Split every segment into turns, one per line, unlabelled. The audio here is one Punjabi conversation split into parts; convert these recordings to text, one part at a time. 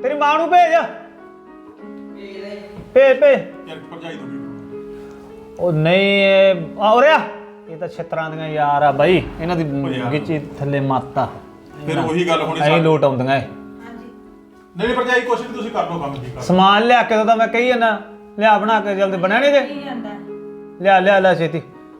तेरी मां नूं भेज भेज
ਯਾਰ ਭਰਜਾਈ ਤੋਂ
ਉਹ ਨਹੀਂ ਔਰ ਇਹ ਤਾਂ ਛਿੱਤਰਾਂ ਦੀਆਂ ਯਾਰ ਆ ਬਾਈ ਇਹਨਾਂ ਦੀ ਗਿੱਚੀ ਥੱਲੇ ਮਾਤਾ
ਫਿਰ ਉਹੀ ਗੱਲ ਹੋਣੀ
ਐਂ ਲੋਟ ਆਉਂਦੀਆਂ ਇਹ
ਨਹੀਂ ਭਰਜਾਈ ਕੁਛ ਵੀ ਤੁਸੀਂ ਕਰ ਲਓ ਕੰਮ ਠੀਕ ਆ
ਸਮਾਨ ਲਿਆ ਕੇ ਤਾਂ ਮੈਂ ਕਹੀ ਜਾਂਦਾ ਲਿਆ ਬਣਾ ਕੇ ਜਲਦੀ ਬਣਿਆ ਨਹੀਂ ਜੇ ਲਿਆ ਛੇਤੀ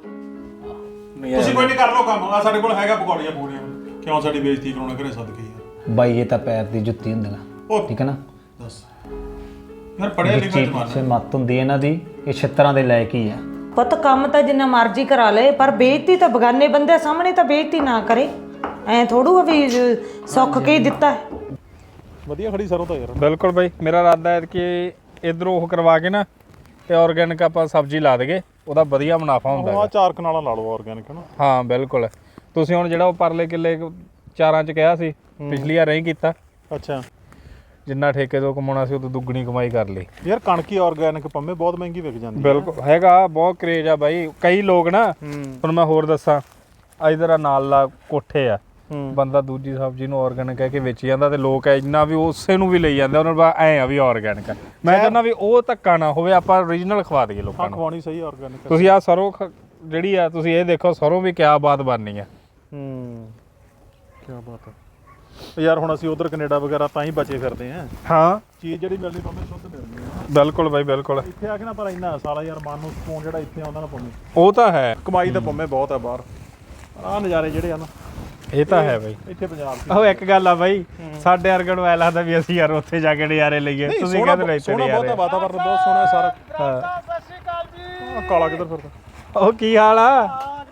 ਤੁਸੀਂ ਕੋਈ ਨਹੀਂ ਕਰ ਲਓ ਕੰਮ ਆ ਸਾਡੇ ਕੋਲ ਹੈਗਾ ਪਕੌੜੀਆਂ ਪੂੜੀਆਂ ਕਿਉਂ ਸਾਡੀ ਬੇਇੱਜ਼ਤੀ ਕਰਾਉਣਾ ਘਰੇ ਸਦਕੇ ਯਾਰ
ਬਾਈ ਇਹ ਤਾਂ ਪੈਰ ਦੀ ਜੁੱਤੀ ਹੁੰਦੀਆਂ ਠੀਕ ਹੈ ਨਾ
ਦੱਸ ਯਾਰ ਪੜਿਆ ਲਿਖਿਆ ਜਮਾਨਾ
ਸੇ ਮੱਤ ਹੁੰਦੀ ਇਹਨਾਂ ਦੀ ਇਹ ਛਿੱਤਰਾਂ ਦੇ ਲਾਇਕ ਹੀ ਆ
ਪੁੱਤ ਕੰਮ ਤਾਂ ਜਿੰਨਾ ਮਰਜ਼ੀ ਕਰਾ ਲੇ ਪਰ ਬੇਇੱਜ਼ਤੀ ਤਾਂ ਬਗਾਨੇ ਬੰਦੇ ਸਾਹਮਣੇ ਤਾਂ ਬੇਇੱਜ਼ਤੀ ਨਾ ਕਰੇ ਐ ਥੋੜੂ ਵੀ ਸੁੱਖ ਕੇ ਹੀ ਦਿੱਤਾ ਹੈ
ਵਧੀਆ ਖੜੀ ਸਰੋਂ ਤਾਂ ਯਾਰ
ਬਿਲਕੁਲ ਬਾਈ ਮੇਰਾ ਇਰਾਦਾ ਹੈ ਕਿ ਇਧਰੋਂ ਉਹ ਕਰਵਾ ਕੇ ਨਾ ਤੇ ਆਰਗੈਨਿਕ ਆਪਾਂ ਸਬਜ਼ੀ ਲਾ ਦੇਗੇ ਉਹਦਾ ਵਧੀਆ ਮੁਨਾਫਾ ਹੁੰਦਾ
ਆ 4 ਕਨਾਲਾਂ ਲਾ ਲਓ ਆਰਗੈਨਿਕ ਨਾ
ਹਾਂ ਬਿਲਕੁਲ ਤੁਸੀਂ ਹੁਣ ਜਿਹੜਾ ਉਹ ਪਰਲੇ ਕਿੱਲੇ ਚਾਰਾਂ ਚ ਕਿਹਾ ਸੀ ਪਿਛਲੀ ਵਾਰ ਨਹੀਂ ਕੀਤਾ
ਅੱਛਾ
ਜਿੰਨਾ ਠੇਕੇ ਤੋਂ ਕਮਾਉਣਾ ਸੀ ਉਹ ਤੋਂ ਦੁੱਗਣੀ ਕਮਾਈ ਕਰ ਲਈ
ਯਾਰ ਕਣਕੀ ਆਰਗੈਨਿਕ ਪੰਮੇ ਬਹੁਤ ਮਹਿੰਗੀ ਵਿਕ ਜਾਂਦੀ
ਬਿਲਕੁਲ ਹੈਗਾ ਬਹੁਤ ਕਰੇਜ ਆ ਬਾਈ ਕਈ ਲੋਕ ਨਾ ਹੁਣ ਮੈਂ ਹੋਰ ਦੱਸਾਂ ਇਧਰ ਆ ਨਾਲ ਲਾ ਕੋਠੇ ਆ ਬੰਦਾ ਦੂਜੀ ਸਬਜ਼ੀ ਨੂੰ ਆਰਗੈਨਿਕ ਕਹਿ ਕੇ ਵੇਚੀ ਜਾਂਦਾ ਤੇ ਲੋਕ ਇੰਨਾ ਵੀ ਉਸੇ ਨੂੰ ਵੀ ਲਈ ਜਾਂਦੇ ਉਹਨਾਂ ਨੂੰ ਐ ਆ ਵੀ ਆਰਗੈਨਿਕ ਆ ਮੈਂ ਕਹਿੰਦਾ ਵੀ ਉਹ ਧੱਕਾ ਨਾ ਹੋਵੇ ਆਪਾਂ ਓਰੀਜਨਲ ਖਵਾ ਦਈਏ ਲੋਕਾਂ ਨੂੰ
ਖਵਾਉਣੀ ਸਹੀ ਆਰਗੈਨਿਕ
ਤੁਸੀਂ ਆ ਸਰੋਂ ਜਿਹੜੀ ਆ ਤੁਸੀਂ ਇਹ ਦੇਖੋ ਸਰੋਂ ਵੀ ਕਿਆ ਬਾਤ ਬਣਨੀ ਆ
ਕੀ ਬਾਤ ਹੈ ਯਾਰ ਹੁਣ ਅਸੀਂ ਉਧਰ ਕੈਨੇਡਾ ਵਗੈਰਾ ਤਾਂ ਹੀ ਬਚੇ ਫਿਰਦੇ ਆਂ
ਹਾਂ
ਚੀਜ਼ ਜਿਹੜੀ ਮਿਲਣੀ ਪੰਮੇ ਸ਼ੁੱਧ ਮਿਲਣੀ ਆ
ਬਿਲਕੁਲ ਬਾਈ ਬਿਲਕੁਲ
ਇੱਥੇ ਆ ਕੇ ਨਾ ਪਰ ਇੰਨਾ ਸਾਲਾ ਯਾਰ ਮਨ ਨੂੰ ਸਕੂਨ ਜਿਹੜਾ ਇੱਥੇ ਆਉਂਦਾ ਨਾ ਪੰਮੇ
ਉਹ ਤਾਂ ਹੈ
ਕਮਾਈ ਤਾਂ ਪੰਮੇ ਬਹੁਤ ਆ ਬਾਹਰ ਆਹ ਨਜ਼ਾਰੇ ਜਿਹੜੇ ਆ ਨਾ
ਇਹ ਤਾਂ ਹੈ ਬਾਈ
ਇੱਥੇ ਪੰਜਾਬ 'ਚ
ਉਹ ਇੱਕ ਗੱਲ ਆ ਬਾਈ ਸਾਡੇ ਵਰਗਣ ਨੂੰ ਐ ਲੱਗਦਾ ਵੀ ਅਸੀਂ ਯਾਰ ਉੱਥੇ ਜਾ ਕੇ ਨਜ਼ਾਰੇ ਲਈਏ ਤੁਸੀਂ ਕਹਿੰਦੇ ਨਹੀਂ
ਸੋਹਣਾ ਬਹੁਤ ਆ ਵਾਤਾਵਰਨ ਬਹੁਤ ਸੋਹਣਾ ਸਾਰਾ ਸਤਿ ਸ਼੍ਰੀ ਅਕਾਲ ਜੀ ਕਾਲਾ ਕਿੱਧਰ ਫਿਰਦਾ
ਉਹ ਕੀ ਹਾਲ ਆ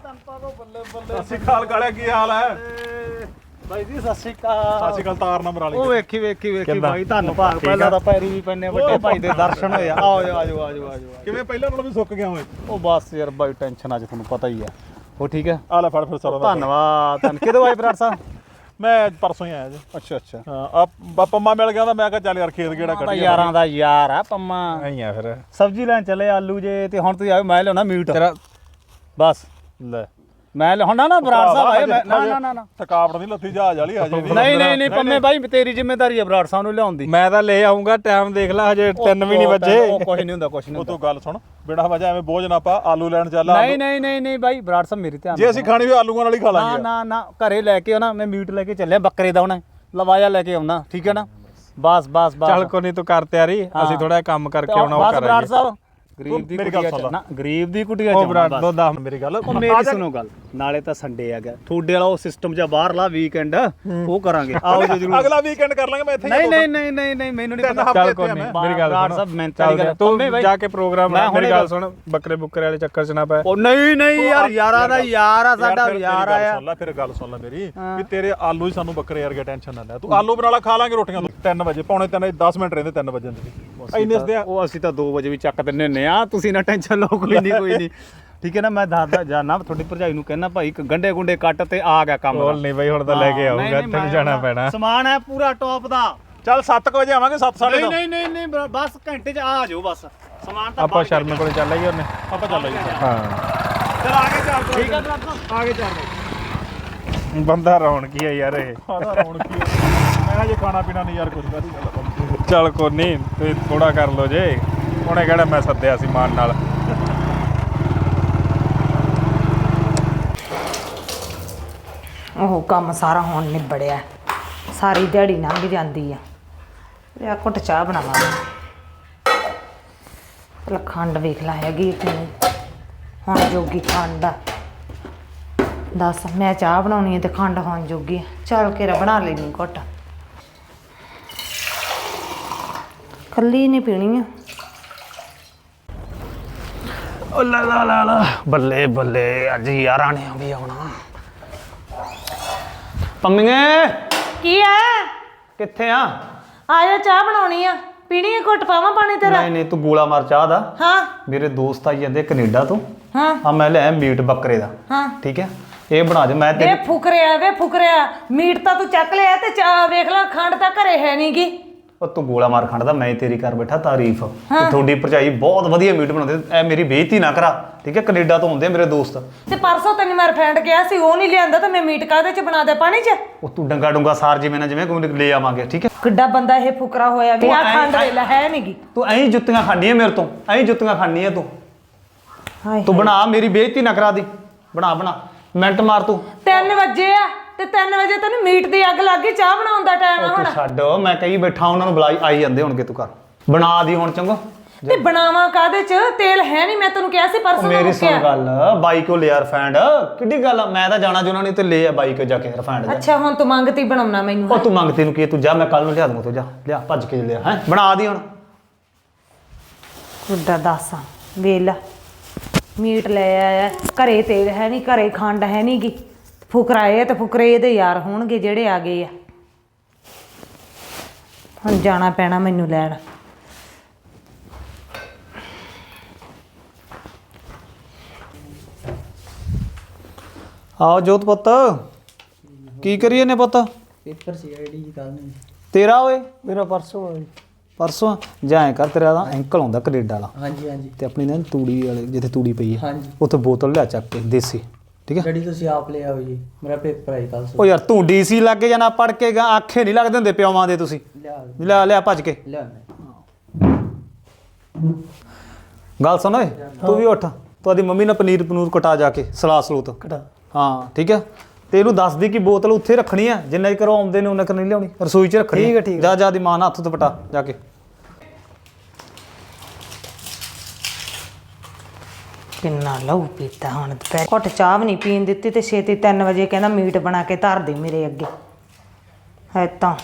ਸਤਿ ਸ਼੍ਰੀ ਅਕਾਲ ਕਾਲਿਆ ਕੀ ਹਾਲ ਹੈ
ਬਾਈ ਜੀ ਸਤਿ ਸ਼੍ਰੀ ਅਕਾਲ
ਸਤਿ ਸ਼੍ਰੀ ਅਕਾਲ ਤਾਰ ਨੰਬਰ ਵਾਲੀ
ਉਹ ਵੇਖੀ ਬਾਈ ਧੰਨਵਾਦ ਪਹਿਲਾਂ ਤਾਂ ਪੈਰੀ ਵੀ ਪੈਨੇ ਵੱਡੇ ਭਾਈ ਦੇ ਦਰਸ਼ਨ ਹੋਏ ਆਜੋ
ਕਿਵੇਂ ਪਹਿਲਾਂ ਨਾਲੋਂ ਵੀ ਸੁੱਕ ਗਿਆ ਓਏ
ਉਹ ਬਸ ਯਾਰ ਬਾਈ ਟੈਨਸ਼ਨ ਅੱਜ ਤੁਹਾਨੂੰ ਪਤਾ ਹੀ ਆ ਉਹ ਠੀਕ ਹੈ
ਆ ਲੈ ਫੜ ਫਿਰ ਸਰੋਂ ਦਾ
ਧੰਨਵਾਦ ਕਿਦੋਂ ਆਏ ਬਰਾੜ ਸਾਹਿਬ
ਮੈਂ ਪਰਸੋਂ ਹੀ ਆਇਆ ਜੀ
ਅੱਛਾ
ਹਾਂ ਆ ਪੰਮਾ ਮਿਲ ਗਿਆ ਤਾਂ ਮੈਂ ਕਿਹਾ ਚੱਲ ਯਾਰ ਖੇਤ ਕਿਹੜਾ ਕੱਢ ਗਿਆ
ਯਾਰਾਂ ਦਾ ਯਾਰ ਆ ਪੰਮਾ
ਐਂ ਆ ਫਿਰ
ਸਬਜ਼ੀ ਲੈਣ ਚੱਲੇ ਆਲੂ ਜੇ ਤੇ ਹੁਣ ਤੁਸੀਂ ਆਇਓ ਮੈਂ ਲਿਆਉਣਾ ਮੀਟ
ਤੇਰਾ
ਬਸ
ਲੈ
ਮੈਂ ਲਿਆਉਣਾ ਨਾ ਬਰਾੜ ਸਾਹਿਬ ਆਏ ਨਾ
ਥਕਾਵਟ ਨਹੀਂ ਲੱਥੀ ਜਹਾਜ਼ ਵਾਲੀ ਹਜੇ
ਨਹੀਂ ਪੰਮੇ ਬਾਈ ਤੇਰੀ ਜ਼ਿੰਮੇਵਾਰੀ ਹੈ ਬਰਾੜ ਸਾਹਿਬ ਨੂੰ ਲਿਆਉਣ ਦੀ
ਮੈਂ ਤਾਂ ਲੈ ਆਉਂਗਾ ਟਾਈਮ ਦੇਖ ਲੈ ਹਜੇ 3 ਵੀ ਨਹੀਂ ਵੱਜੇ
ਕੁਝ ਨਹੀਂ ਹੁੰਦਾ
ਉਹ ਤੂੰ ਗੱਲ ਸੁਣ ਬਿਨਾਂ ਵਜ੍ਹਾ ਐਵੇਂ ਬੋਝ ਨਾ ਪਾ ਆਲੂ ਲੈਣ ਚੱਲ
ਨਹੀਂ ਬਾਈ ਬਰਾੜ ਸਾਹਿਬ ਮੇਰੀ ਧਿਆਨ
ਜੇ ਅਸੀਂ ਖਾਣੀ ਵੀ ਆਲੂਆਂ ਨਾਲ ਹੀ ਖਾ ਲਾਂਗੇ
ਨਾ ਘਰੇ ਲੈ ਕੇ ਆਉਣਾ ਮੈਂ ਮੀਟ ਲੈ ਕੇ ਚੱਲਿਆ ਬੱਕਰੇ ਦਾ ਹੁਣ ਲਵਾਇਆ ਲੈ ਕੇ ਆਉਣਾ ਠੀਕ ਹੈ ਨਾ ਬਸ
ਚੱਲ ਕੋਈ ਨਹੀਂ ਤੂੰ ਕਰ ਤਿਆਰੀ ਅਸੀਂ ਥੋੜਾ ਕੰਮ ਕਰਕੇ ਆਉਣਾ ਉਹ
ਬਸ ਬਰਾੜ
ਕਰਾਂਗੇ
ਸਾਹਿਬ ਗਰੀਬ ਦੀ ਕੁਟੀਆ ਚ ਨਾ ਗਰੀਬ ਦੀ ਕੁਟੀਆ
ਉਹ
ਚ
ਬਰਾੜ ਦੋ ਦਾ
ਮੇਰੀ ਗੱਲ
ਉਹ ਮੇਰੀ ਸੁਣੋ ਗੱਲ ਨਾਲੇ ਤਾਂ ਸੰਡੇ ਹੈਗਾ ਤੁਹਾਡੇ ਵਾਲਾ ਉਹ ਸਿਸਟਮ ਜਾਂ ਬਾਹਰਲਾ ਵੀਕਐਂਡ ਉਹ ਕਰਾਂਗੇ ਆਓ ਜੀ ਜਰੂਰ
ਅਗਲਾ ਵੀਕਐਂਡ ਕਰ ਲਾਂਗੇ ਮੈਂ ਇੱਥੇ
ਨਹੀਂ ਮੈਨੂੰ ਨਹੀਂ ਪਤਾ
ਚੱਲ ਕੋਈ ਨਹੀਂ ਮੇਰੀ ਗੱਲ
ਬਰਾੜ
ਸੁਣ
ਸਾਹਿਬ ਮੈਂਟਲੀ ਗੱਲ
ਤੂੰ ਜਾ ਕੇ ਪ੍ਰੋਗਰਾਮ ਮੇਰੀ ਗੱਲ ਸੁਣ ਬੱਕਰੇ ਬੁੱਕਰੇ ਵਾਲੇ ਚੱਕਰ ਚ ਨਾ ਪੈ
ਉਹ ਨਹੀਂ ਯਾਰ ਯਾਰਾਂ ਦਾ ਯਾਰ ਆ ਸਾਡਾ ਯਾਰ ਆਇਆ
ਸੁਣ ਲੈ ਫਿਰ ਗੱਲ ਸੁਣ ਲੈ ਮੇਰੀ ਵੀ ਤੇਰੇ ਆਲੂ ਹੀ ਸਾਨੂੰ ਬੱਕਰੇ ਵਰਗੇ ਟੈਨਸ਼ਨ ਨਾ ਲੈ ਤੂੰ ਆਲੂ ਬਣਾ ਲਾ ਖਾ ਲਾਂਗੇ ਰੋਟੀਆਂ 3 ਵਜੇ ਪੌਣੇ 3 10 ਮਿੰਟ ਰਹਿੰਦੇ 3 ਵਜੇ ਇੰਨੇ ਦੇ
ਉਹ ਅਸੀਂ ਤਾਂ 2 ਵਜੇ ਵੀ ਚੱਕ ਦਿੰਨੇ ਹੁੰਨੇ ਆ ਤੁਸੀਂ ਨਾ ਟੈਨਸ਼ਨ ਲਓ ਕੋਈ ਨਹੀਂ ਠੀਕ ਹੈ ਨਾ ਮੈਂ ਦੱਸਦਾ ਜਾਣਾ ਤੁਹਾਡੀ ਭਰਜਾਈ ਨੂੰ ਕਹਿਣਾ ਭਾਈ ਗੰਡੇ ਗੁੰਡੇ ਕੱਟ ਤੇ ਆ ਗਿਆ ਕੰਮ
ਬੋਲ ਨਹੀਂ ਬਈ ਹੁਣ ਤਾਂ ਲੈ ਕੇ ਆਉਂਗਾ ਇੱਥੇ ਨੂੰ ਜਾਣਾ ਪੈਣਾ
ਸਮਾਨ ਹੈ ਪੂਰਾ ਟੌਪ ਦਾ
ਚੱਲ 7 ਵਜੇ ਆਵਾਂਗੇ 7:30
ਨਹੀਂ ਬਸ ਘੰਟੇ ਚ ਆ ਜਾਓ ਬਸ ਸਮਾਨ ਤਾਂ
ਆਪਾਂ ਸ਼ਰਮੇ ਕੋਲੇ ਚੱਲ ਆਈਏ ਉਹਨੇ
ਆਪਾਂ ਚੱਲ ਆਈਏ
ਹਾਂ
ਚਲ ਆ ਕੇ ਚੱਲ ਠੀਕ ਹੈ ਆ ਕੇ ਚੱਲ
ਬੰਦਾ ਰੌਣਕੀ ਆ ਯਾਰ ਇਹ
ਹੁਣ ਕੀ ਮੈਂ ਜੇ ਖਾਣਾ ਪੀਣਾ ਨਹੀਂ ਯਾਰ ਕੁਝ ਕਾਦੀ ਗੱਲ
ਚੱਲ ਕੋਈ ਨਹੀਂ ਤੁਸੀਂ ਥੋੜਾ ਕਰ ਲਓ ਜੇ ਉਹਨੇ ਕਿਹੜਾ ਮੈਂ ਸੱਦਿਆ ਸੀ ਮਾਨ ਨਾਲ
ਉਹ ਕੰਮ ਸਾਰਾ ਹੁਣ ਨਿਬੜਿਆ ਸਾਰੀ ਦਿਹਾੜੀ ਲੰਘ ਜਾਂਦੀ ਆ ਲਿਆ ਘੁੱਟ ਚਾਹ ਬਣਾਵਾਂਗੇ ਪਹਿਲਾਂ ਖੰਡ ਵੇਖ ਲਾ ਹੈਗੀ ਕਿ ਨਹੀਂ ਹੁਣ ਜੋਗੀ ਖੰਡ ਆ ਦੱਸ ਮੈਂ ਚਾਹ ਬਣਾਉਣੀ ਹੈ ਤੇ ਖੰਡ ਹੁਣ ਜੋਗੀ ਆ ਚੱਲ ਕੇ ਬਣਾ ਲੈਣੀ ਘੁੱਟ ਕੱਲੀ ਨਹੀਂ ਪੀਣੀ ਆ
ਓ ਲਾ ਬੱਲੇ ਅੱਜ ਯਾਰਾਂ ਨੇ ਵੀ ਆਉਣਾ ਪੰਮੀਏ
ਕੀ ਆ
ਕਿੱਥੇ ਆ
ਆਇਆ ਚਾਹ ਬਣਾਉਣੀ ਆ ਪੀਣੀ ਆ ਘੁੱਟ ਪਾਵਾਂ ਪਾਣੀ ਤੇਰਾ
ਨਹੀਂ ਤੂੰ ਗੋਲਾ ਮਾਰ ਚਾਹ ਦਾ
ਹਾਂ
ਮੇਰੇ ਦੋਸਤ ਆਈ ਜਾਂਦੇ ਕੈਨੇਡਾ ਤੋਂ
ਹਾਂ
ਆ ਮੈਂ ਲਿਆ ਮੀਟ ਬੱਕਰੇ ਦਾ
ਹਾਂ
ਠੀਕ ਹੈ ਇਹ ਬਣਾ ਦੇ ਮੈਂ
ਵੇ ਫੁਕਰਿਆ ਮੀਟ ਤਾਂ ਤੂੰ ਚੱਕ ਲਿਆ ਤੇ ਚਾਹ ਵੇਖ ਲੈ ਖੰਡ ਤਾਂ ਘਰੇ ਹੈ ਨਹੀਂਗੀ
ਉਹ ਤੂੰ ਗੋਲਾ ਮਾਰ ਖਾਂਦਾ ਮੈਂ ਤੇਰੀ ਕਰ ਬੈਠਾ ਤਾਰੀਫ ਤੇ ਤੁਹਾਡੀ ਭਰਜਾਈ ਬਹੁਤ ਵਧੀਆ ਮੀਟ ਬਣਾਉਂਦੇ ਐ ਮੇਰੀ ਬੇਇੱਜ਼ਤੀ ਨਾ ਕਰਾ ਠੀਕ ਹੈ ਕੈਨੇਡਾ ਤੋਂ ਆਉਂਦੇ ਮੇਰੇ ਦੋਸਤ
ਤੇ ਪਰਸੋਂ ਤੈਨੂੰ ਮੈਂ ਫਰੈਂਡ ਕਿਹਾ ਸੀ ਉਹ ਨਹੀਂ ਲਿਆਂਦਾ ਤਾਂ ਮੈਂ ਮੀਟ ਕਾਹਦੇ ਚ ਬਣਾ ਦੇ ਪਾਣੀ ਚ
ਉਹ ਤੂੰ ਡੰਗਾ ਡੁੰਗਾ ਸਾਰ ਜਿਵੇਂ ਨਾ ਜਿਵੇਂ ਕੋਈ ਲੈ ਆਵਾਂਗੇ ਠੀਕ ਹੈ
ਕਿੱਡਾ ਬੰਦਾ ਇਹ ਫੁਕਰਾ ਹੋਇਆ ਵੀ ਆ ਖੰਡ ਵੇਲਾ ਹੈ ਨਹੀਂਗੀ
ਤੂੰ ਐਂ ਜੁੱਤੀਆਂ ਖਾਣੀ ਹੈ ਮੇਰੇ ਤੋਂ ਐਂ ਜੁੱਤੀਆਂ ਖਾਣੀ ਹੈ ਤੂੰ
ਹਾਏ
ਤੂੰ ਬਣਾ ਮੇਰੀ ਬੇਇੱਜ਼ਤੀ ਨਾ ਕਰਾ ਦੀ ਬਣਾ ਮਿੰਟ ਮਾਰ ਤੂੰ
3 ਵਜੇ ਆ ਤੇ 3 ਵਜੇ ਤੈਨੂੰ ਮੀਟ ਦੀ ਅੱਗ ਲੱਗ ਗਈ ਚਾਹ ਬਣਾਉਣ ਦਾ ਟਾਈਮ ਆ
ਤੂੰ
ਹੁਣ
ਛੱਡ ਮੈਂ ਕਹੀ ਬੈਠਾ ਉਹਨਾਂ ਨੂੰ ਬੁਲਾਈ ਆਈ ਜਾਂਦੇ ਹੋਣਗੇ ਤੂੰ ਕਰ ਬਣਾ ਦੀ ਹੁਣ ਚੰਗਾ
ਤੇ ਬਣਾਵਾਂ ਕਾਹਦੇ ਚ ਤੇਲ ਹੈ ਨਹੀਂ ਮੈਂ ਤੈਨੂੰ ਕਿਹਾ ਸੀ ਪਰਸੋਂ ਦਾ
ਮੇਰੀ ਸੁਣ
ਮੁੱਕਿਆ।
ਗੱਲ ਬਾਈ ਕੋ ਲਿਆ ਰਿਫਾਈਂਡ ਕਿੱਡੀ ਗੱਲ ਆ ਮੈਂ ਤਾਂ ਜਾਣਾ ਜੁਨਾ ਨਹੀਂ ਤੇ ਲੈ ਆ ਬਾਈ ਕੋ ਜਾ ਕੇ ਰਿਫਾਈਂਡ
ਅੱਛਾ ਹੁਣ ਤੂੰ ਮੰਗਤੀ ਬਣਾਉਣਾ ਮੈਨੂੰ
ਉਹ ਤੂੰ ਮੰਗਤੇ ਨੂੰ ਕੀ ਤੂੰ ਜਾ ਮੈਂ ਕੱਲ ਨੂੰ ਲਿਆ ਦੂੰਗਾ ਤੂੰ ਜਾ ਲਿਆ ਭੱਜ ਕੇ ਲਿਆ ਹੈ ਬਣਾ ਦੀ ਹੁਣ
ਕੁੱਡਾ ਦੱਸਾਂ ਵੇਲਾ ਮੀਟ ਲੈ ਆਇਆ ਘਰੇ ਤੇਲ ਹੈ ਨਹੀਂ ਘਰੇ ਖੰਡ ਹੈ ਨਹੀਂ ਗੀ ਫੁਕਰਾਏ ਤੇ ਫੁਕਰੇ ਇਹਦੇ ਯਾਰ ਹੋਣਗੇ ਜਿਹੜੇ ਆ ਗਏ ਆ ਹੁਣ ਜਾਣਾ ਪੈਣਾ ਮੈਨੂੰ ਲੈਣ
ਆਓ ਜੋਤ ਪੁੱਤ ਕੀ ਕਰੀਏ ਨੇ ਪੁੱਤ
ਪੇਪਰ ਸੀ ਆਈਡੀ ਕੱਲ ਨੂੰ
ਤੇਰਾ ਓਏ
ਮੇਰਾ ਪਰਸੋਂ ਆ ਜੀ।
ਪਰਸੋਂ ਜਾਏ ਕਰ ਤੇਰਾ ਦਾ ਐਂਕਲ ਆਉਂਦਾ ਕੈਨੇਡਾ ਵਾਲਾ
ਹਾਂਜੀ ਹਾਂਜੀ
ਤੇ ਆਪਣੀ ਨਾ ਤੂੜੀ ਵਾਲੇ ਜਿੱਥੇ ਤੂੜੀ ਪਈ ਹੈ
ਹਾਂਜੀ
ਉੱਥੇ ਬੋਤਲ ਲਿਆ ਚੱਕ ਕੇ ਦੇਸੀ ਠੀਕ ਹੈ
ਡੈਡੀ ਤੁਸੀਂ ਆਪ ਲੈ ਆਓ ਜੀ ਮੇਰਾ ਪੇਪਰ ਹੈ ਕੱਲ
ਉਹ ਯਾਰ ਤੂੰ ਡੀਸੀ ਲੱਗ ਜਾਣਾ ਪੜ ਕੇ ਗਾ ਆਖੇ ਨਹੀਂ ਲੱਗਦੇ ਹੁੰਦੇ ਪਿਓਵਾਂ ਦੇ ਤੁਸੀਂ
ਲਿਆ
ਲਿਆ ਭੱਜ ਕੇ
ਲਿਆ
ਗੱਲ ਸੁਣ ਓਏ ਤੂੰ ਵੀ ਉੱਠ ਤੁਹਾਡੀ ਮੰਮੀ ਨੇ ਪਨੀਰ ਕਟਾ ਜਾ ਕੇ ਸਲਾਦ ਸਲੂਤ
ਕਟਾ
ਹਾਂ ਠੀਕ ਹੈ ਤੇ ਇਹਨੂੰ ਦੱਸ ਦੀ ਕਿ ਬੋਤਲ ਉੱਥੇ ਰੱਖਣੀ ਆ ਜਿੰਨਾ ਚਿਰ ਉਹ ਆਉਂਦੇ ਨੇ ਉਹਨਾਂ ਕਰ ਨਹੀਂ ਲਿਆਉਣੀ ਰਸੋਈ 'ਚ ਰੱਖਣੀ
ਠੀਕ ਹੈ
ਜਾ ਦੀ ਮਾਂ ਨਾਲ ਹੱਥ ਤੋਂ ਪਟਾ ਜਾ ਕੇ
ਕਿੰਨਾ ਲਹੂ ਪੀਤਾ ਹੁਣ ਦੁਪਹਿਰ ਘੁੱਟ ਚਾਹ ਵੀ ਨਹੀਂ ਪੀਣ ਦਿੱਤੀ ਤੇ ਛੇਤੀ 3 ਵਜੇ ਕਹਿੰਦਾ ਮੀਟ ਬਣਾ ਕੇ ਧਰ ਦੇ ਮੇਰੇ ਅੱਗੇ ਹੈ ਤਾਂ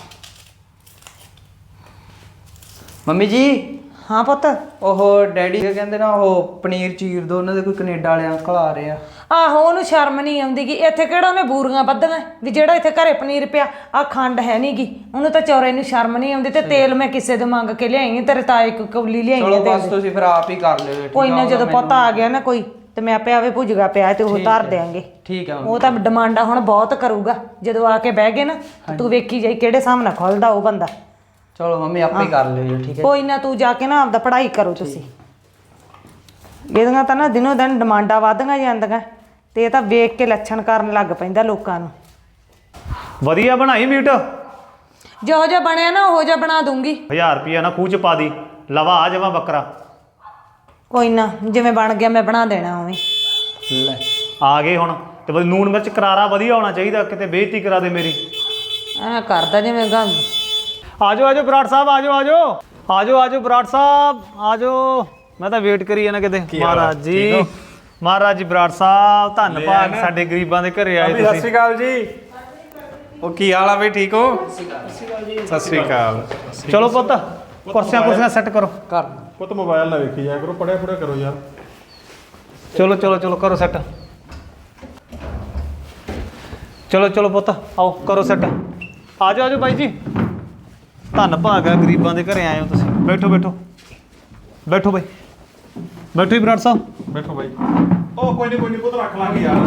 ਮੰਮੀ ਜੀ
ਹਾਂ ਪੁੱਤ
ਉਹ ਡੈਡੀ ਕਹਿੰਦੇ ਨਾ ਉਹ ਪਨੀਰ ਚੀਰ ਦੋ ਉਹਨਾਂ ਦੇ ਕੋਈ ਕੈਨੇਡਾ ਵਾਲੇ ਅੰਕਲ ਆ ਰਹੇ ਆ
ਆਹੋ ਉਹਨੂੰ ਸ਼ਰਮ ਨਹੀਂ ਆਉਂਦੀ ਗੀ ਇੱਥੇ ਕਿਹੜਾ ਉਹਨੇ ਬੂਰੀਆਂ ਬੱਧੀਆਂ ਵੀ ਜਿਹੜਾ ਇੱਥੇ ਘਰੇ ਪਨੀਰ ਪਿਆ ਆ ਖੰਡ ਹੈ ਨੀ ਗੀ ਉਹਨੂੰ ਤਾਂ ਚੌਰੇ ਨੂੰ ਸ਼ਰਮ ਨਹੀਂ ਆਉਂਦੀ ਤੇ ਤੇਲ ਮੈਂ ਕਿਸੇ ਤੋਂ ਮੰਗ ਕੇ ਲਿਆਈ ਤੇਰੇ ਤਾਏ ਕੋ ਕੌਲੀ ਲਿਆਈ
ਚਲੋ
ਤੇ
ਬਸ ਤੁਸੀਂ ਫਿਰ ਆਪ ਹੀ ਕਰ ਲਿਓ ਠੀਕ
ਕੋਈ ਨਾ ਜਦੋਂ ਪਤਾ ਆ ਗਿਆ ਨਾ ਕੋਈ ਤੇ ਮੈਂ ਆਪੇ ਆਵੇ ਭੁੱਜਗਾ ਪਿਆ ਤੇ ਉਹ ਧਰ ਦਿਆਂਗੇ
ਠੀਕ ਆ
ਉਹ ਤਾਂ ਡਿਮਾਂਡਾਂ ਹੁਣ ਬਹੁਤ ਕਰੂਗਾ ਜਦੋਂ ਆ ਕੇ ਬਹਿ ਗਏ ਨਾ ਤੇ ਤੂੰ ਵੇਖੀ ਜਾਈ ਕਿਹੜੇ ਸਾਹਮਣੇ ਖੁੱਲਦਾ ਉਹ ਬੰਦਾ
ਚਲੋ ਮੰਮੀ ਆਪੇ ਹੀ ਕਰ ਲਿਓ ਜੀ ਠੀਕ ਹੈ
ਕੋਈ ਨਾ ਤੂੰ ਜਾ ਕੇ ਨਾ ਆਪਦਾ ਪੜ੍ਹਾਈ ਕਰੋ ਤੁਸੀਂ ਇਹਦੀਆਂ ਤਾਂ ਨਾ ਦਿਨੋਂ ਦਿਨ ਡਿਮਾਂਡਾਂ ਵਧਦੀਆਂ ਜਾਂਦੀਆਂ ਤੇ ਇਹ ਤਾਂ ਵੇਖ ਕੇ ਲੱਛਣ ਕਰਨ ਲੱਗ ਪੈਂਦਾ ਲੋਕਾਂ ਨੂੰ
ਵਧੀਆ ਬਣਾਈ ਮੀਟ
ਜਿਹੋ ਜਿਹਾ ਬਣਿਆ ਨਾ ਉਹੋ ਜਿਹਾ ਬਣਾ ਦੂੰਗੀ
1000 ਰੁਪਿਆ ਨਾ ਖੂਹ 'ਚ ਪਾ ਦੀ ਲਵਾ ਆ ਜਾਵਾਂ ਬੱਕਰਾ
ਕੋਈ ਨਾ ਜਿਵੇਂ ਬਣ ਗਿਆ ਮੈਂ ਬਣਾ ਦੇਣਾ ਉਵੇਂ
ਲੈ ਆ ਗਏ ਹੁਣ ਤੇ ਬਸ ਨੂਣ ਮਿਰਚ ਕਰਾਰਾ ਵਧੀਆ ਹੋਣਾ ਚਾਹੀਦਾ ਕਿਤੇ ਬੇਇੱਜ਼ਤੀ ਕਰਾ ਦੇ ਮੇਰੀ
ਐ ਕਰਦਾ ਜਿਵੇਂ ਗਾ
ਆਜੋ ਬਰਾੜ ਸਾਹਿਬ ਆਜੋ ਬਰਾੜ ਸਾਹਿਬ ਆਜੋ ਮੈਂ ਤਾਂ ਵੇਟ ਕਰੀ ਜਾਣਾ ਕਿਤੇ ਮਹਾਰਾਜ ਜੀ ਬਰਾੜ ਸਾਹਿਬ ਧੰਨਵਾਦ ਸਾਡੇ ਗਰੀਬਾਂ ਦੇ ਘਰੇ ਆਏ
ਸਤਿ
ਤੁਸੀਂ
ਸ਼੍ਰੀ ਅਕਾਲ ਜੀ ਉਹ ਕੀ ਹਾਲ ਆ ਬਈ ਠੀਕ ਹੋ ਸਤਿ ਸ਼੍ਰੀ ਅਕਾਲ
ਚਲੋ ਪੁੱਤ ਕੁਰਸੀਆਂ ਸੈੱਟ ਕਰੋ
ਕਰ
ਪੁੱਤ ਮੋਬਾਈਲ ਨਾ ਵੇਖੀ ਜਾਇਆ ਕਰੋ ਪੜਿਆ ਕਰੋ ਯਾਰ
ਚਲੋ ਕਰੋ ਸੈੱਟ ਚਲੋ ਪੁੱਤ ਆਓ ਕਰੋ ਸੈੱਟ ਆਜੋ ਬਾਈ ਜੀ ਧੰਨ ਭਾਗ ਆ ਗਰੀਬਾਂ ਦੇ ਘਰੇ ਆਏ ਹੋ ਤੁਸੀਂ ਬੈਠੋ ਬਾਈ ਬੈਠੋ ਹੀ ਬਰਾੜ ਸਾਹਿਬ
ਬੈਠੋ ਬਾਈ ਉਹ ਕੋਈ ਨਹੀਂ ਪੁੱਤ ਰੱਖ ਲਾਂਗੇ ਯਾਰ